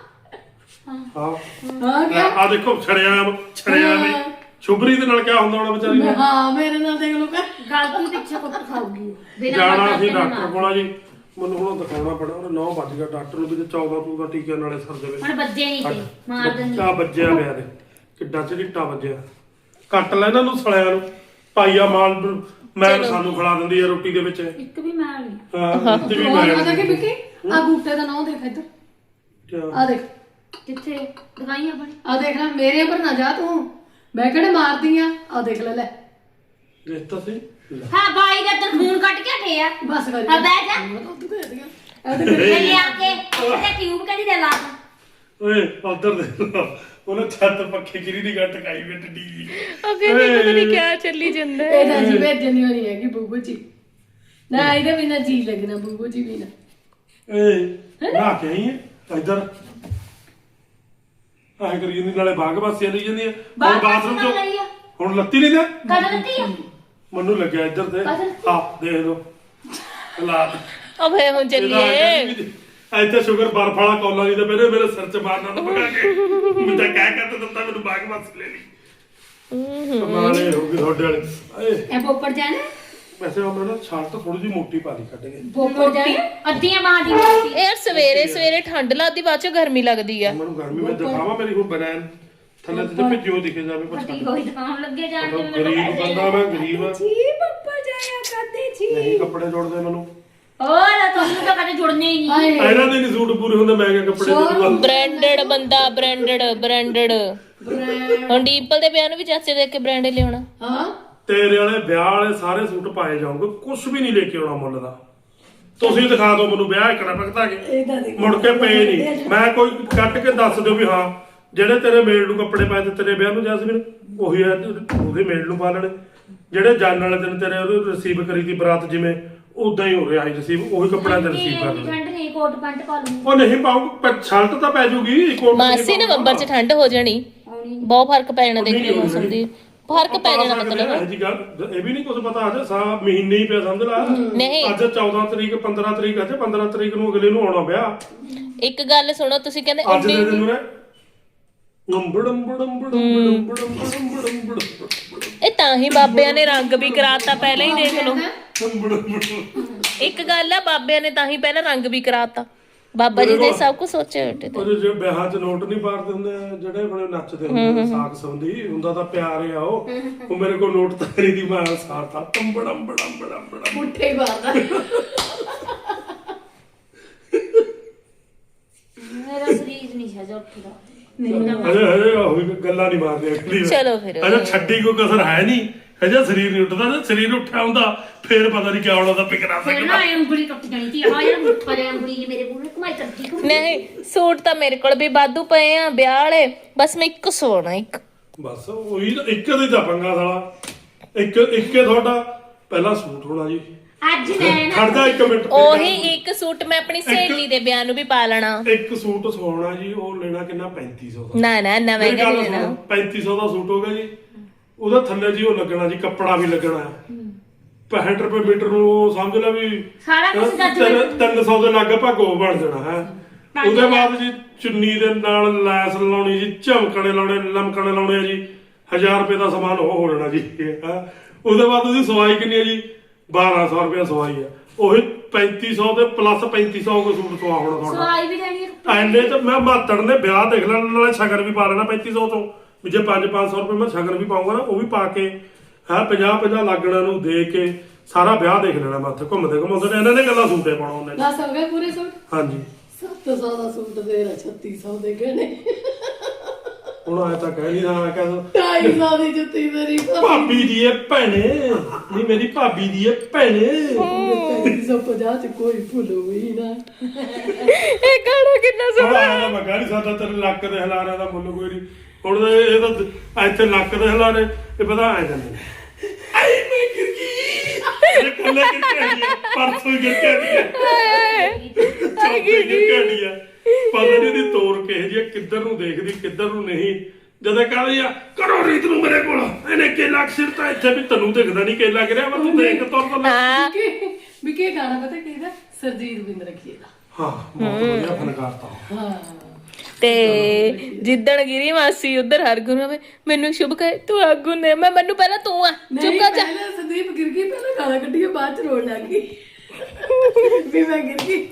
Speaker 2: ਹਾਂ
Speaker 1: ਹਾਂ ਕਿਆ
Speaker 2: ਆ ਦੇਖੋ ਛੜਿਆ ਛੜਿਆ ਨੇ
Speaker 1: ਹਾਂ।
Speaker 2: ਸ਼ੁਭਰੀ ਦੇ ਨਾਲ ਕਿਆ ਹੁੰਦਾ ਹੋਣਾ ਵਿਚਾਰੀ ਨੇ
Speaker 1: ਹਾਂ ਮੇਰੇ ਨਾਲ ਦੇਖ ਲੋ ਕਰ
Speaker 3: ਗਲਤੀ ਪਿੱਛੇ ਕੁੱਟ ਖਾਊਗੀ ਬਿਨਾਂ
Speaker 2: ਜਾਣਾ
Speaker 3: ਮਤਲਬ
Speaker 2: ਸੀ
Speaker 3: ਤੇ
Speaker 2: ਡਾਕਟਰ
Speaker 3: ਨਾ।
Speaker 2: ਕੋਲ ਜੀ ਮੈਨੂੰ ਹੁਣ ਦਿਖਾਉਣਾ ਪੈਣਾ ਉਹ ਨੌ ਵੱਜ ਗਿਆ ਡਾਕਟਰ ਨੂੰ ਵੀ ਤੇ ਚੌਦਾਂ ਤੂ ਦਾ ਟੀਕੇ ਨਾਲੇ ਸਰ ਦੇ
Speaker 3: ਹੁਣ ਬੱਜੇ ਨਹੀਂ ਤੇ ਮਾਰ ਦਿੰਦੀ
Speaker 2: ਬੱਚਾ ਵੱਜਿਆ ਪਿਆ ਦੇ ਕਿੱਡਾ ਝਿੱਟਾ ਵੱਜਿਆ ਕੱਟ ਲੈ ਇਹਨਾਂ ਨੂੰ ਸਲਿਆਂ ਨੂੰ ਪਾਈਆ ਮਾਲ ਮੈਂ ਸਾਨੂੰ ਖਿਲਾ ਦਿੰਦੀ ਆ ਰੋਟੀ ਦੇ ਵਿੱਚ
Speaker 3: ਇੱਕ ਵੀ ਮਾਰ ਨਹੀਂ
Speaker 2: ਹਾਂ ਤੇ ਵੀ
Speaker 1: ਉਹ
Speaker 2: ਮੈਂ
Speaker 1: ਪਤਾ ਕਿ ਵਿੱਕੀ ਆ ਬੂਟੇ ਦਾ ਨਾਂ ਦੇਖ ਇੱਧਰ
Speaker 2: ਕਿਆ?
Speaker 1: ਆ ਦੇਖ
Speaker 3: ਕਿੱਥੇ ਦਵਾਈਆਂ ਬਣੀ
Speaker 1: ਆ ਦੇਖ ਲੈ ਮੇਰੇ ਪਰ ਨਾ ਜਾ ਤੂੰ ਮੈਂ ਕਿਹੜੇ ਮਾਰਦੀ ਆ ਆ ਦੇਖ ਲੈ ਲੈ
Speaker 2: ਦੇਖ ਤਾਂ ਸੀ ਲੈ।
Speaker 3: ਹਾਂ ਬਾਈ ਦਾ ਤਾਂ ਖੂਨ ਕੱਟ ਕੇ ਹਟੇ ਆ
Speaker 1: ਬਸ ਕਰ
Speaker 3: ਹਾਂ ਬਹਿ ਜਾ
Speaker 1: ਮੈਂ ਤਾਂ ਉੱਧਰ ਦੇ ਦਿਆਂ ਇਹ ਤੇ
Speaker 3: ਤੇ ਲਿਆ ਕੇ ਇਹਦੇ ਟਿਊਬ ਕਦੀ ਦੇ ਲਾ ਤਾ।
Speaker 2: ਓਏ ਉਧਰ ਦੇ ਉਹਨੇ ਛੱਤ ਪੱਖੇ ਗਿਰੀ ਦੀ ਗੱਟ ਕਾਈ ਵਿੱਚ ਡੀ
Speaker 4: ਉਹ ਕਹਿੰਦੀ ਪਤਾ ਨਹੀਂ ਕਿਆ ਚੱਲੀ ਜਾਂਦਾ ਹੈ।
Speaker 1: ਇਹ ਤਾਂ ਜੀ ਭੇਜਣੀ ਹੋਣੀ ਹੈਗੀ ਬੂਬੂ ਜੀ ਨਾ ਇਹਦੇ ਬਿਨਾ ਜੀ ਲੱਗਣਾ ਬੂਬੂ ਜੀ ਬਿਨਾ
Speaker 2: ਏ ਨਾ ਕੇ ਆਈ ਹੈ ਇੱਧਰ ਆਹ ਕਰੀ ਜਾਂਦੀ ਨਾਲੇ ਬਾਗ ਵਾਸੀਆਂ ਲਈ ਜਾਂਦੀ ਹੈ ਹੁਣ ਬਾਥਰੂਮ
Speaker 3: ਨਾਲ
Speaker 2: ਚ
Speaker 3: ਲਈ ਆ
Speaker 2: ਹੁਣ ਲੱਤੀ ਨਹੀਂ ਦੇ
Speaker 3: ਕਦ ਲੱਤੀ ਆ
Speaker 2: ਮੈਨੂੰ ਲੱਗਿਆ ਇੱਧਰ ਤੇ
Speaker 3: ਕਦੋਂ?
Speaker 2: ਹਾਂ ਦੇਖ ਲਓ ਹਾਲਾਤ
Speaker 4: ਉਹ ਫੇ ਹੁਣ ਚੱਲੀਏ
Speaker 2: ਇੱਥੇ ਸ਼ੂਗਰ ਬਰਫ ਵਾਲਾ ਕੌਲਾ ਨਹੀਂ ਤਾਂ ਪਹਿਲੇ ਮੇਰੇ ਸਿਰ 'ਚ ਮਾਰਨਾ ਤਾਂ ਪਕਾ ਕੇ ਮੈਂ ਤਾਂ ਕਹਿ ਕਹਿ ਦਿੱਤਾ ਮੈਨੂੰ ਬਾਗ ਵਾਸੀ ਲੈ ਲਈ ਕਮਾਲੇ ਹੋ ਗਈ ਤੁਹਾਡੇ ਵਾਲੇ ਏ
Speaker 3: ਇਹ ਪੋਪੜ ਜਾਣਾ
Speaker 2: ਵੈਸੇ ਉਹਨਾਂ ਨੇ ਛਾਲ ਤਾਂ ਥੋੜੀ ਜਿਹੀ ਮੋਟੀ ਪਾ ਲਈ ਕੱਢ ਕੇ
Speaker 3: ਪੋਪੜ ਜਾਣਾ ਅੱਧੀਆਂ ਬਾਹਾਂ ਦੀ ਮੋਟੀ
Speaker 4: ਇਹ ਯਾਰ ਸਵੇਰੇ ਸਵੇਰੇ ਠੰਡ ਲੱਗਦੀ ਬਾਅਦ ਚ ਗਰਮੀ ਲੱਗਦੀ ਆ
Speaker 2: ਮੈਨੂੰ ਗਰਮੀ ਵਿੱਚ ਦਿਖਾਵਾ ਮੇਰੀ ਹੁਣ ਬਨੈਨ ਥੱਲੇ ਤੇ ਭਿੱਜੋ ਦਿਖੇ ਜਾਵੇ
Speaker 3: ਫਟੀ
Speaker 2: ਪਛਾਣ
Speaker 3: ਹੋਈ ਦੁਕਾਨ ਲੱਗੇ ਜਾਣ
Speaker 2: ਮਤਲਬ ਗਰੀਬ ਬੰਦਾ ਮੈਂ ਗਰੀਬ ਆ
Speaker 3: ਜੀ ਪੱਪਾ ਜਾਇਆ ਕਰਦੇ ਜੀ
Speaker 2: ਨਹੀਂ ਕੱਪੜੇ ਜੋੜਦੇ ਮੈਨੂੰ
Speaker 3: ਹੋਰ ਤੁਹਾਨੂੰ ਤਾਂ ਕਦੇ ਜੁੜਨੇ ਹੀ ਨਹੀਂ
Speaker 1: ਹਾਏ
Speaker 2: ਇਹਨਾਂ ਦੇ ਨਹੀਂ ਸੂਟ ਪੂਰੇ ਹੁੰਦੇ ਮੈਂ ਕਿਹਾ ਕੱਪੜੇ ਜੋੜੂਗਾ
Speaker 4: ਬ੍ਰਾਂਡਡ ਬੰਦਾ ਬ੍ਰਾਂਡਡ ਬ੍ਰਾਂਡਡ ਹੁਣ ਡੀਪਲ ਦੇ ਵਿਆਹ ਨੂੰ ਵੀ ਚਾਚੇ ਦੇ ਕੇ ਬ੍ਰਾਂਡ ਲਿਆਉਣਾ
Speaker 1: ਹਾਂ
Speaker 2: ਤੇਰੇ ਵਾਲੇ ਵਿਆਹ ਵਾਲੇ ਸਾਰੇ ਸੂਟ ਪਾਏ ਜਾਓਗੇ ਕੁਝ ਵੀ ਨਹੀਂ ਲੈ ਕੇ ਆਉਣਾ ਮੁੱਲ ਦਾ ਤੁਸੀਂ ਦਿਖਾ ਦਿਓ ਮੈਨੂੰ ਵਿਆਹ ਇਕੜਾ ਭਗਤਾ ਕੇ
Speaker 1: ਇਹਦਾ ਦੇਖ
Speaker 2: ਮੁੜ ਕੇ ਪਏ ਨਹੀਂ ਮੈਂ ਕੋਈ ਕੱਟ ਕੇ ਦੱਸ ਦਿਓ ਵੀ ਹਾਂ ਜਿਹੜੇ ਤੇਰੇ ਮੇਲ ਨੂੰ ਕੱਪੜੇ ਪਾਏ ਤੇ ਤੇਰੇ ਵਿਆਹ ਨੂੰ ਜੈਸਮੀਨ ਉਹੀ ਆ ਉਹਦੇ ਮੇਲ ਨੂੰ ਪਾ ਲੈਣੇ ਜਿਹੜੇ ਜਾਣ ਵਾਲੇ ਦਿਨ ਤੇਰੇ ਉਹਨੂੰ ਰਿਸੀਵ ਕਰੀ ਦੀ ਬਰਾਤ ਜਿਵੇਂ ਉਦਾਂ ਹੀ ਹੋ ਰਿਹਾ ਸੀ ਰਿਸੀਵ ਉਹੀ ਕੱਪੜਿਆਂ ਤੇ ਰਿਸੀਵ ਕਰ ਲੈਣੇ
Speaker 3: ਠੰਡ ਨਹੀਂ ਕੋਟ ਪੈਂਟ ਪਾ ਲੂੰ
Speaker 2: ਉਹ ਨਹੀਂ ਪਾਉ ਸ਼ਰਟ ਤਾਂ ਪੈ ਜੂਗੀ ਕੋਟ
Speaker 4: ਮਾਸੀ ਨਵੰਬਰ ਚ ਠੰਡ ਹੋ ਜਾਣੀ ਬਹੁਤ ਫਰਕ ਪੈ ਜਾਣਾ ਦੇਖ ਲਿਓ ਮੌਸਮ ਦੀ ਫਰਕ ਪੈ ਜਾਣਾ ਮਤਲਬ
Speaker 2: ਇਹ ਜੀ ਗੱਲ ਇਹ ਵੀ ਨਹੀਂ ਕੁਝ ਪਤਾ ਅੱਜ ਸਾ ਮਹੀਨੇ ਹੀ ਪਿਆ ਸਮਝ ਲਾ
Speaker 4: ਨਹੀਂ
Speaker 2: ਅੱਜ ਚੌਦਾਂ ਤਰੀਕ ਪੰਦਰਾਂ ਤਰੀਕ ਅੱਜ ਪੰਦਰਾਂ ਤਰੀਕ ਨੂੰ ਅਗਲੇ ਨੂੰ ਆਉਣਾ ਵਿਆਹ
Speaker 4: ਇੱਕ ਗੱਲ ਸੁਣੋ ਤੁਸੀਂ ਕਹਿੰਦੇ
Speaker 2: ਅੱਜ ਦੇ
Speaker 4: ਉੱਡੀ
Speaker 2: ਦਿਨ ਨੂੰ ਨੰਬੜਮ ਬੜਮ ਬੜਮ ਬੜਮ ਬੜਮ ਬੜਮ ਬੜਮ
Speaker 4: ਇਹ ਤਾਂ ਹੀ ਬਾਬਿਆਂ ਨੇ ਰੰਗ ਵੀ ਕਰਾਤਾ ਪਹਿਲਾਂ ਹੀ ਦੇਖ ਲਓ। ਇੱਕ ਗੱਲ ਆ, ਬਾਬਿਆਂ ਨੇ ਤਾਂ ਹੀ ਪਹਿਲਾਂ ਰੰਗ ਵੀ ਕਰਾਤਾ। ਬਾਬਾ ਜੀ ਨੇ ਸਭ ਕੁਝ ਸੋਚਿਆ ਬੇਟੇ ਤੇ।
Speaker 2: ਉਹ ਜਿਹੜੇ ਵਿਆਹਾਂ 'ਚ ਨੋਟ ਨਹੀਂ ਪਾੜਦੇ ਹੁੰਦੇ ਜਿਹੜੇ ਆਪਣੇ ਨੱਚਦੇ ਹੁੰਦੇ ਸਾਕ ਸੰਬੰਧੀ ਹੁੰਦਾ ਤਾਂ ਪਿਆਰ ਆ ਉਹ ਉਹ ਮੇਰੇ ਕੋਲ ਨੋਟ ਤਾਂ ਨਹੀਂ ਦੀ ਮੈਂ ਸਾਥਾ ਟੰਬੜਮ ਬੜਮ ਬੜਮ ਬੜਮ
Speaker 1: ਮੁੱਠੇ ਮਾਰਦਾ।
Speaker 3: ਮੇਰਾ ਸਰੀਰ ਨਹੀਂ ਛੱਜ ਉੱਠਦਾ।
Speaker 2: ਅਜੇ ਹਜੇ ਉਹ ਗੱਲਾਂ ਨਹੀਂ ਮਾਰਦੇ ਅਗਲੀ
Speaker 4: ਚਲੋ ਫਿਰ
Speaker 2: ਅਜੇ ਛੱਡੀ ਕੋਈ ਕਸਰ ਹੈ ਨਹੀਂ। ਅਜੇ ਸਰੀਰ ਨਹੀਂ ਉੱਠਦਾ ਜੇ ਸਰੀਰ ਉੱਠਿਆ ਹੁੰਦਾ ਫੇਰ ਪਤਾ ਨਹੀਂ ਕਿਆ ਹੋਣਾ ਤਾਂ ਪਿਕਰਾ
Speaker 3: ਫਿਰ
Speaker 2: ਸਕਦਾ।
Speaker 3: ਨਾ ਇਹ ਉਂਗਲੀ ਟੁੱਟ ਜਾਣੀ ਸੀ। ਆ ਯਾਰ ਮੁੱਠਾ ਜਿਹਾ ਉਂਗਲੀ ਜਿਹੀ ਮੇਰੇ ਪੂਰੇ ਘੁਮਾਈ ਚੱਲਦੀ ਘੁੰਮਦੀ।
Speaker 4: ਨਹੀਂ, ਸੂਟ ਤਾਂ ਮੇਰੇ ਕੋਲ ਵੀ ਵਾਧੂ ਪਏ ਆ ਵਿਆਹ ਵਾਲੇ, ਬਸ ਮੈਂ ਇੱਕ ਸਵਾਉਣਾ ਇੱਕ।
Speaker 2: ਬਸ ਉਹੀ ਤਾਂ ਇੱਕ ਦੇ ਤਾਂ ਪੰਗਾ ਸਾਲਾ ਇੱਕ ਇੱਕੇ ਤੁਹਾਡਾ ਪਹਿਲਾ ਸੂਟ ਹੋਣਾ ਜੀ।
Speaker 3: ਅੱਜ ਮੈਂ ਨਾ
Speaker 2: ਖੜਦਾ ਇੱਕ ਮਿੰਟ
Speaker 4: ਉਹੀ ਇੱਕ ਸੂਟ ਮੈਂ ਆਪਣੀ ਸਹੇਲੀ ਦੇ ਵਿਆਹ ਨੂੰ ਵੀ ਪਾ ਲੈਣਾ।
Speaker 2: ਇੱਕ ਸੂਟ ਸਵਾਉਣਾ ਜੀ ਉਹ ਲੈਣਾ ਕਿੰਨਾ ਪੈਂਤੀ ਸੌ ਦਾ।
Speaker 4: ਨਾ ਨਾ ਨਾ
Speaker 2: ਮੇਰੀ
Speaker 4: ਮਹਿੰਗਾ
Speaker 2: ਗੱਲ
Speaker 4: ਨਹੀਂ
Speaker 2: ਸੁਣੋ,
Speaker 4: ਲੈਣਾ।
Speaker 2: ਪੈਂਤੀ ਸੌ ਦਾ ਸੂਟ ਹੋਗਾ ਜੀ। ਉਹਦਾ ਥੱਲੇ ਜੀ ਉਹ ਲੱਗਣਾ ਜੀ ਕੱਪੜਾ ਵੀ ਲੱਗਣਾ ਪੈਂਹਠ ਰੁਪਏ ਮੀਟਰ ਨੂੰ ਉਹ ਸਮਝ ਲੈ ਵੀ
Speaker 3: ਸਾਰਾ ਕੁਛ ਜੱਜ
Speaker 2: ਤਿੰਨ- ਤਿੰਨ ਸੌ ਦੇ ਲਗਭਗ ਉਹ ਬਣ ਜਾਣਾ ਹੈ। ਉਹਦੇ ਬਾਅਦ ਜੀ ਚੁੰਨੀ ਦੇ ਨਾਲ ਲੈਸ ਲਾਉਣੀ ਜੀ, ਝਮਕਣੇ ਲਾਉਣੇ, ਲਮਕਣੇ ਲਾਉਣੇ ਆ ਜੀ। ਹਜ਼ਾਰ ਰੁਪਏ ਦਾ ਸਮਾਨ ਉਹ ਹੋ ਜਾਣਾ ਜੀ ਹੈਂ। ਉਹਦੇ ਬਾਅਦ ਉਹਦੀ ਸਵਾਈ ਕਿੰਨੀ ਹੈ ਜੀ? ਬਾਰਾਂ ਸੌ ਰੁਪਏ ਸਵਾਈ ਆ। ਉਹੀ ਪੈਂਤੀ ਸੌ ਦੇ ਪਲੱਸ ਪੈਂਤੀ ਸੌ ਕੋ ਸੂਟ ਸਵਾ ਹੋਣਾ ਤੁਹਾਡਾ।
Speaker 3: ਸਵਾਈ ਵੀ ਲੈਣੀ ਹੈ।
Speaker 2: ਐਨੇ ਚ ਮੈਂ ਮਾਤੜ ਨੇ ਵਿਆਹ ਦੇਖ ਲੈਣ ਨਾਲੇ ਸ਼ਗਨ ਵੀ ਪਾ ਲੈਣਾ ਪੈਂਤੀ ਸੌ ਤੋਂ ਵੀ ਜੇ ਪੰਜ ਪੰਜ ਸੌ ਰੁਪਏ ਮੈਂ ਸ਼ਗਨ ਵੀ ਪਾਉਂਗਾ ਨਾ ਉਹ ਵੀ ਪਾ ਕੇ ਹੈ ਪੰਜਾਹ ਪੰਜਾਹ ਲੱਗਣਾ ਨੂੰ ਦੇ ਕੇ ਸਾਰਾ ਵਿਆਹ ਦੇਖ ਲੈਣਾ ਮੈਂ ਉੱਥੇ ਘੁੰਮਦੇ ਘੁੰਮਾਉਂਦੇ ਨੇ। ਇਹਨਾਂ ਨੇ ਗੱਲਾਂ ਸੂਟੇ ਪਾਉਣਾ ਉਹਨੇ।
Speaker 1: ਦਸ ਹੋ ਗਏ ਪੂਰੇ ਸੂਟ।
Speaker 2: ਹਾਂਜੀ
Speaker 1: ਸੱਤ ਸੌ ਦਾ ਸੂਟ ਦੇ ਰਿਹਾ ਛੱਤੀ ਸੌ ਦੇ ਗਹਿਣੇ।
Speaker 2: ਹੁਣ ਆਇਆ ਤਾਂ ਕਹਿ ਨਹੀਂ ਰਹਾ ਕਹਿੰਦਾ
Speaker 1: ਢਾਈ ਸੌ ਦੀ ਜੁੱਤੀ ਮੇਰੀ
Speaker 2: ਭਾਬੀ ਦੀ ਇਹ ਭੈਣੇ ਨਹੀਂ ਮੇਰੀ ਭਾਬੀ ਦੀ ਇਹ ਭੈਣੇ।
Speaker 1: ਤਿੰਨ ਸੌ ਪੰਜਾਹ ਚ ਕੋਈ ਭੁੱਲ ਹੋਈ ਨਾ।
Speaker 4: ਇਹ ਗਾਣਾ ਕਿੰਨਾ
Speaker 2: ਹੁਣ
Speaker 4: ਸੋਹਣਾ।
Speaker 2: ਆਇਆ ਤਾਂ ਮੈਂ ਕਹਿ ਨਹੀਂ ਸਕਦਾ ਤੇਰੇ ਲੱਕ ਦੇ ਹਲਾਰਿਆਂ ਦਾ ਮੁੱਲ ਕੋਈ ਨਹੀਂ। ਹੁਣ ਤਾਂ ਇਹ ਤਾਂ ਇੱਥੇ ਲੱਕ ਦੇ ਹਲਾਰੇ ਇਹ ਪਤਾ ਆ ਜਾਂਦੇ ਨੇ। ਆਈ ਮੈਂ ਗਿਰ ਗਈ ਇਹ ਕੱਲੇ ਗਿਰ ਕੇ ਆਈ ਹੈ ਪਰਸੋਂ ਹੀ ਗਿਰ ਕੇ ਆਈ ਹੈ ਚੌਥੀ ਗਿਰ ਕੇ ਆਈ ਹੈ। ਪਤਾ ਨਹੀਂ ਦੀ ਤੋਰ ਕਿਹ ਜੀ ਕਿੱਧਰ ਨੂੰ ਦੇਖਦੀ ਕਿੱਧਰ ਨੂੰ ਨਹੀਂ। ਜਦੋਂ ਕਹਿੰਦੀ ਆ ਕਰੋ ਰੀਤ ਨੂੰ ਮੇਰੇ ਕੋਲ ਇਹਨੇ ਕੇਲਾ ਸਿਰ ਤਾਂ ਇੱਥੇ ਵੀ ਤੈਨੂੰ ਦਿਖਦਾ ਨਹੀਂ ਕੇਲਾ ਗਿਰਿਆ ਵਾ ਤੂੰ ਦੇਖ ਤੋਰ ਤੋਂ
Speaker 4: ਹਾਂ
Speaker 1: ਵੀ ਕੀ ਗਾਣਾ ਪਤਾ ਕਿਹਦਾ? ਸਰਜੀਤ ਬਿੰਦ ਰੱਖੀਏ ਦਾ।
Speaker 2: ਹਾਂ ਬਹੁਤ ਵਧੀਆ ਫਨਕਾਰ ਤਾਂ।
Speaker 1: ਹਾਂ
Speaker 4: ਤੇ ਜਿੱਦਣ ਗਿਰੀ ਮਾਸੀ ਉਧਰ ਹਰਗੁਣ ਹੋਵੇ ਮੈਨੂੰ ਸ਼ੁਭ ਕਹੇ ਤੂੰ ਹਰਗੁਣ ਨੇ ਮੈਂ ਮੈਨੂੰ ਪਹਿਲਾਂ ਤੂੰ ਆ ਚੁੱਪ ਕਰ ਜਾ।
Speaker 1: ਪਹਿਲਾਂ ਸੰਦੀਪ ਗਿਰ ਗਈ ਪਹਿਲਾਂ ਗਾਣਾ ਕੱਢੀ ਬਾਅਦ ਚ ਰੋਣ ਲੱਗ ਗਈ ਵੀ ਮੈਂ ਗਿਰ ਗਈ।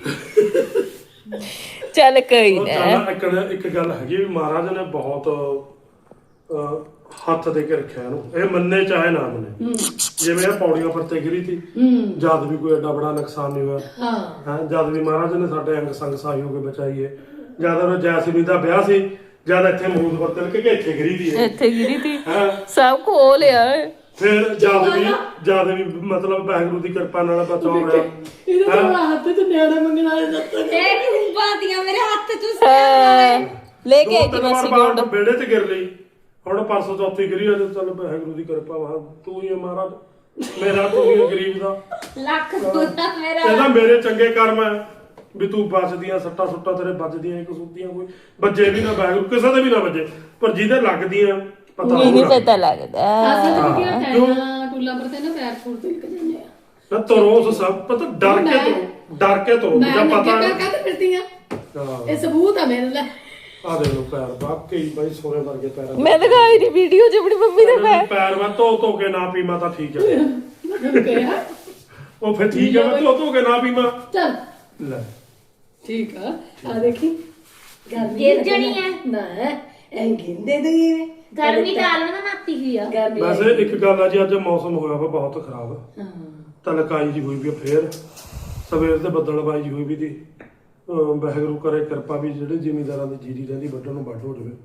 Speaker 4: ਚੱਲ ਕੋਈ
Speaker 2: ਉਹ
Speaker 4: ਨਾ।
Speaker 2: ਚੱਲ ਇੱਕ ਇੱਕ ਗੱਲ ਹੈਗੀ ਵੀ ਮਹਾਰਾਜ ਨੇ ਬਹੁਤ ਅਹ, ਹੱਥ ਦੇ ਕੇ ਰੱਖਿਆ ਇਹਨੂੰ। ਇਹ ਮੰਨੇ ਚਾਹੇ ਨਾ ਮੰਨੇ ਜਿਵੇਂ ਇਹ ਪੌੜੀਆਂ ਪਰ ਤੇ ਗਿਰੀ ਸੀ ਜਦ ਵੀ ਕੋਈ ਐਡਾ ਬੜਾ ਨੁਕਸਾਨ ਨਹੀਂ ਹੋਇਆ।
Speaker 1: ਹਾਂ
Speaker 2: ਹਾਂ ਜਦ ਵੀ ਮਹਾਰਾਜ ਨੇ ਸਾਡੇ ਅੰਗ ਸੰਗ ਸਹਾਈ ਹੋ ਕੇ ਬਚਾਈ ਹੈ। ਜਦ ਉਹ ਜੈਸਮੀਨ ਦਾ ਵਿਆਹ ਸੀ ਜਦ ਇੱਥੇ ਮਰੂਦ ਪਰ ਤਿਲਕ ਕੇ ਇੱਥੇ ਗਿਰੀ ਦੀ ਹੈ
Speaker 4: ਇੱਥੇ ਗਿਰੀ ਤੀ
Speaker 2: ਹਾਂ।
Speaker 4: ਸਭ ਕੋ ਲਿਆ।
Speaker 2: ਫਿਰ ਜਦ ਵੀ ਜਦ ਵੀ ਮਤਲਬ ਵਾਹਿਗੁਰੂ ਦੀ ਕਿਰਪਾ ਨਾਲ ਬਚਾਉ ਰਿਹਾ।
Speaker 1: ਇਹਦਾ ਤਾਂ ਹੱਥ ਚ ਨਿਆਣੇ ਮੰਗਣ ਵਾਲੇ ਦੱਸਦਾ
Speaker 3: ਇਹ ਖੁੰਬਾਤੀਆਂ ਮੇਰੇ ਹੱਥ ਚ
Speaker 4: ਹਾਂ, ਲੈ ਕੇ ਆਈ
Speaker 2: ਦੋ
Speaker 4: ਤੀ
Speaker 2: ਤਿੰਨ
Speaker 4: ਮਾਸੀ
Speaker 2: ਵਾਰ
Speaker 4: ਗੋਲਡ।
Speaker 2: ਬਾਹਰ ਵਿਹੜੇ 'ਚ ਗਿਰ ਲਈ। ਹੁਣ ਪਰਸੋਂ ਚੌਥੀ ਗਿਰੀ ਆ ਤੇ ਚੱਲ ਵਾਹਿਗੁਰੂ ਦੀ ਕਿਰਪਾ ਵਾ ਤੂੰ ਹੀ ਹੈ ਮਹਾਰਾਜ ਮੇਰਾ ਤੂੰ ਹੀ ਹੈ ਗਰੀਬ ਦਾ।
Speaker 3: ਲੱਖ ਦੁੱਧਾ ਮੇਰਾ
Speaker 2: ਇਹਦਾ ਮੇਰੇ ਚੰਗੇ ਕਰਮ ਹੈ ਵੀ ਤੂੰ ਬਚਦੀਆਂ ਸੱਟਾਂ ਸੁੱਟਾਂ ਤੇਰੇ ਵੱਜਦੀਆਂ ਨਹੀਂ ਕਸੂਤੀਆਂ ਕੋਈ ਵੱਜੇ ਵੀ ਨਾ ਵਾਹਿਗੁਰੂ ਕਿਸੇ ਦੇ ਵੀ ਨਾ ਵੱਜੇ ਪਰ ਜਿਹਦੇ ਲੱਗਦੀਆਂ ਪਤਾ
Speaker 4: ਨਹੀਂ ਨਹੀਂ
Speaker 2: ਹੋਊਗਾ।
Speaker 4: ਪਤਾ ਲੱਗਦਾ।
Speaker 1: ਅਸਾਂ ਤਾਂ ਕੀ ਟਾਈਆਂ ਟੁੱਲਾ ਪਰ ਤੇ ਨਾ ਪੈਰ ਫੁੱਟ ਤੇ ਨਿਕਲ ਜਾਂਦੇ ਆ।
Speaker 2: ਨਾ ਤਰੋਸ ਸਭ ਪਤਾ ਡਰ ਕੇ ਤੋ ਡਰ ਕੇ ਤੋ
Speaker 1: ਮੈਂ
Speaker 2: ਜਾਂ
Speaker 1: ਅੱਗੇ
Speaker 2: ਪਤਾ
Speaker 1: ਪੈਰ ਕਾਹਦੇ ਫਿਰਦੀ ਆ?
Speaker 2: ਹਾਂ
Speaker 1: ਇਹ ਸਬੂਤ ਆ ਮੇਰੇ ਲਈ।
Speaker 2: ਆ ਦੇ ਲੋ ਪੈਰ ਵਾਕਈ ਬਾਈ ਸੋਨੇ ਵਰਗੇ ਪੈਰ
Speaker 4: ਮੈਂ ਲਗਾਈ ਨਹੀਂ ਵੀਡੀਓ ਚ ਆਪਣੀ ਮੰਮੀ ਦਾ ਪੈਰ।
Speaker 2: ਪੈਰ ਮੈਂ ਧੋ ਧੋ ਕੇ ਨਾ ਪੀਵਾਂ ਤਾਂ ਠੀਕ ਹੈ।
Speaker 1: ਮੈਨੂੰ ਕਿਹਾ
Speaker 2: ਉਹ ਫਿਰ ਠੀਕ ਹੈ ਮੈਂ ਧੋ ਧੋ ਕੇ ਨਾ ਪੀਵਾਂ।
Speaker 1: ਚੱਲ
Speaker 2: ਲੈ
Speaker 1: ਠੀਕ ਆ ਆ ਦੇਖੀ ਗਰਮੀ
Speaker 3: ਗਿਰ ਜਾਣੀ ਹੈ।
Speaker 1: ਨਾ ਐ ਗਿੰਦੇ ਦੇ
Speaker 3: ਗਰਮੀ ਤਾਂ ਆਲਣਾ ਨਾਤੀ ਹੋਈ ਆ।
Speaker 1: ਗਰਮੀ
Speaker 2: ਵੈਸੇ ਇੱਕ ਗੱਲ ਆ ਜੀ ਅੱਜ ਮੌਸਮ ਹੋਇਆ ਵਾ ਬਹੁਤ ਖਰਾਬ
Speaker 1: ਹਾਂ
Speaker 2: ਤਲਕਾਈ ਜੀ ਹੋਈ ਵੀ ਆ ਫੇਰ ਸਵੇਰ ਤੇ ਬੱਦਲਬਾਈ ਜੀ ਹੋਈ ਵੀ ਦੀ ਅਹ ਵਾਹਿਗੁਰੂ ਕਰੇ ਕਿਰਪਾ ਵੀ ਜਿਹੜੇ ਜ਼ਿਮੀਂਦਾਰਾਂ ਦੀ ਜੀਰੀ ਰਹਿੰਦੀ ਵੱਢਣ ਨੂੰ ਵੱਢ ਹੋ ਜਾਵੇ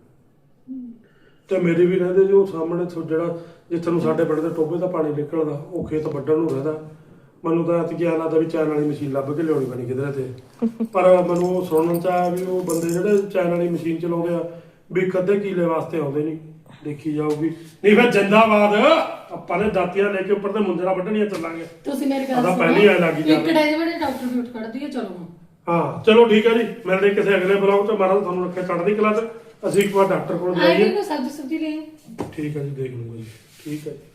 Speaker 2: ਤੇ ਮੇਰੇ ਵੀ ਰਹਿੰਦੇ ਜੋ ਸਾਹਮਣੇ ਥੋ- ਜਿਹੜਾ ਜਿੱਥੇ ਨੂੰ ਸਾਡੇ ਪਿੰਡ ਦੇ ਟੋਬੇ ਦਾ ਪਾਣੀ ਨਿਕਲਦਾ ਉਹ ਖੇਤ ਵੱਢਣ ਨੂੰ ਰਹਿੰਦਾ। ਮੈਨੂੰ ਤਾਂ ਐਤ ਗਿਆ ਲੱਗਦਾ ਵੀ ਚੈਨ ਵਾਲੀ ਮਸ਼ੀਨ ਲੱਭ ਕੇ ਲਿਆਉਣੀ ਪੈਣੀ ਕਿਧਰੇ ਤੇ ਪਰ ਮੈਨੂੰ ਉਹ ਸੁਣਨ ਚ ਆਇਆ ਵੀ ਉਹ ਬੰਦੇ ਜਿਹੜੇ ਚੈਨ ਵਾਲੀ ਮਸ਼ੀਨ ਚਲਾਉਂਦੇ ਆ ਵੀ ਕਦੇ ਕੀਲੇ ਵਾਸਤੇ ਆਉਂਦੇ ਨਹੀਂ ਦੇਖੀ ਜਾਊਗੀ ਨਹੀਂ ਫਿਰ ਜਿੰਦਾਬਾਦ ਆਪਾਂ ਨੇ ਦਾਤੀਆਂ ਲੈ ਕੇ ਉੱਪਰ ਤੇ ਮੁੰਦਰਾ ਵੱਢਣੀਆਂ ਚੱਲਾਂਗੇ।
Speaker 1: ਤੁਸੀਂ ਮੇਰੀ ਗੱਲ
Speaker 2: ਉਹਦਾ
Speaker 1: ਸੁਣੋ।
Speaker 2: ਪਹਿਲੀ ਐ ਲੱਗੀ
Speaker 1: ਇੱਕ
Speaker 2: ਜਾਂਦੀ।
Speaker 1: ਡੇ ਜਿਹੜੇ ਡਾਕਟਰ ਵੀ ਉੱਠ ਖੜਦੀ ਹੈ ਚਲੋ ਹੁਣ।
Speaker 2: ਹਾਂ ਚਲੋ ਠੀਕ ਹੈ ਜੀ ਮਿਲਦੇ ਕਿਸੇ ਅਗਲੇ ਬਲੌਗ ਚ ਮਹਾਰਾਜ ਤੁਹਾਨੂੰ ਰੱਖੇ ਚੜ੍ਹਦੀ ਕਲਾ ਚ ਅਸੀਂ ਇੱਕ ਵਾਰ ਡਾਕਟਰ ਕੋਲ
Speaker 1: ਆਏ
Speaker 2: ਜਾਈਏ।
Speaker 1: ਕੋਈ ਸਬਜ਼ੀ ਸੁਬਜ਼ੀ ਲੈ
Speaker 2: ਠੀਕ ਹੈ ਜੀ ਦੇਖ ਲੂੰਗਾ ਜੀ ਠੀਕ ਹੈ ਜੀ।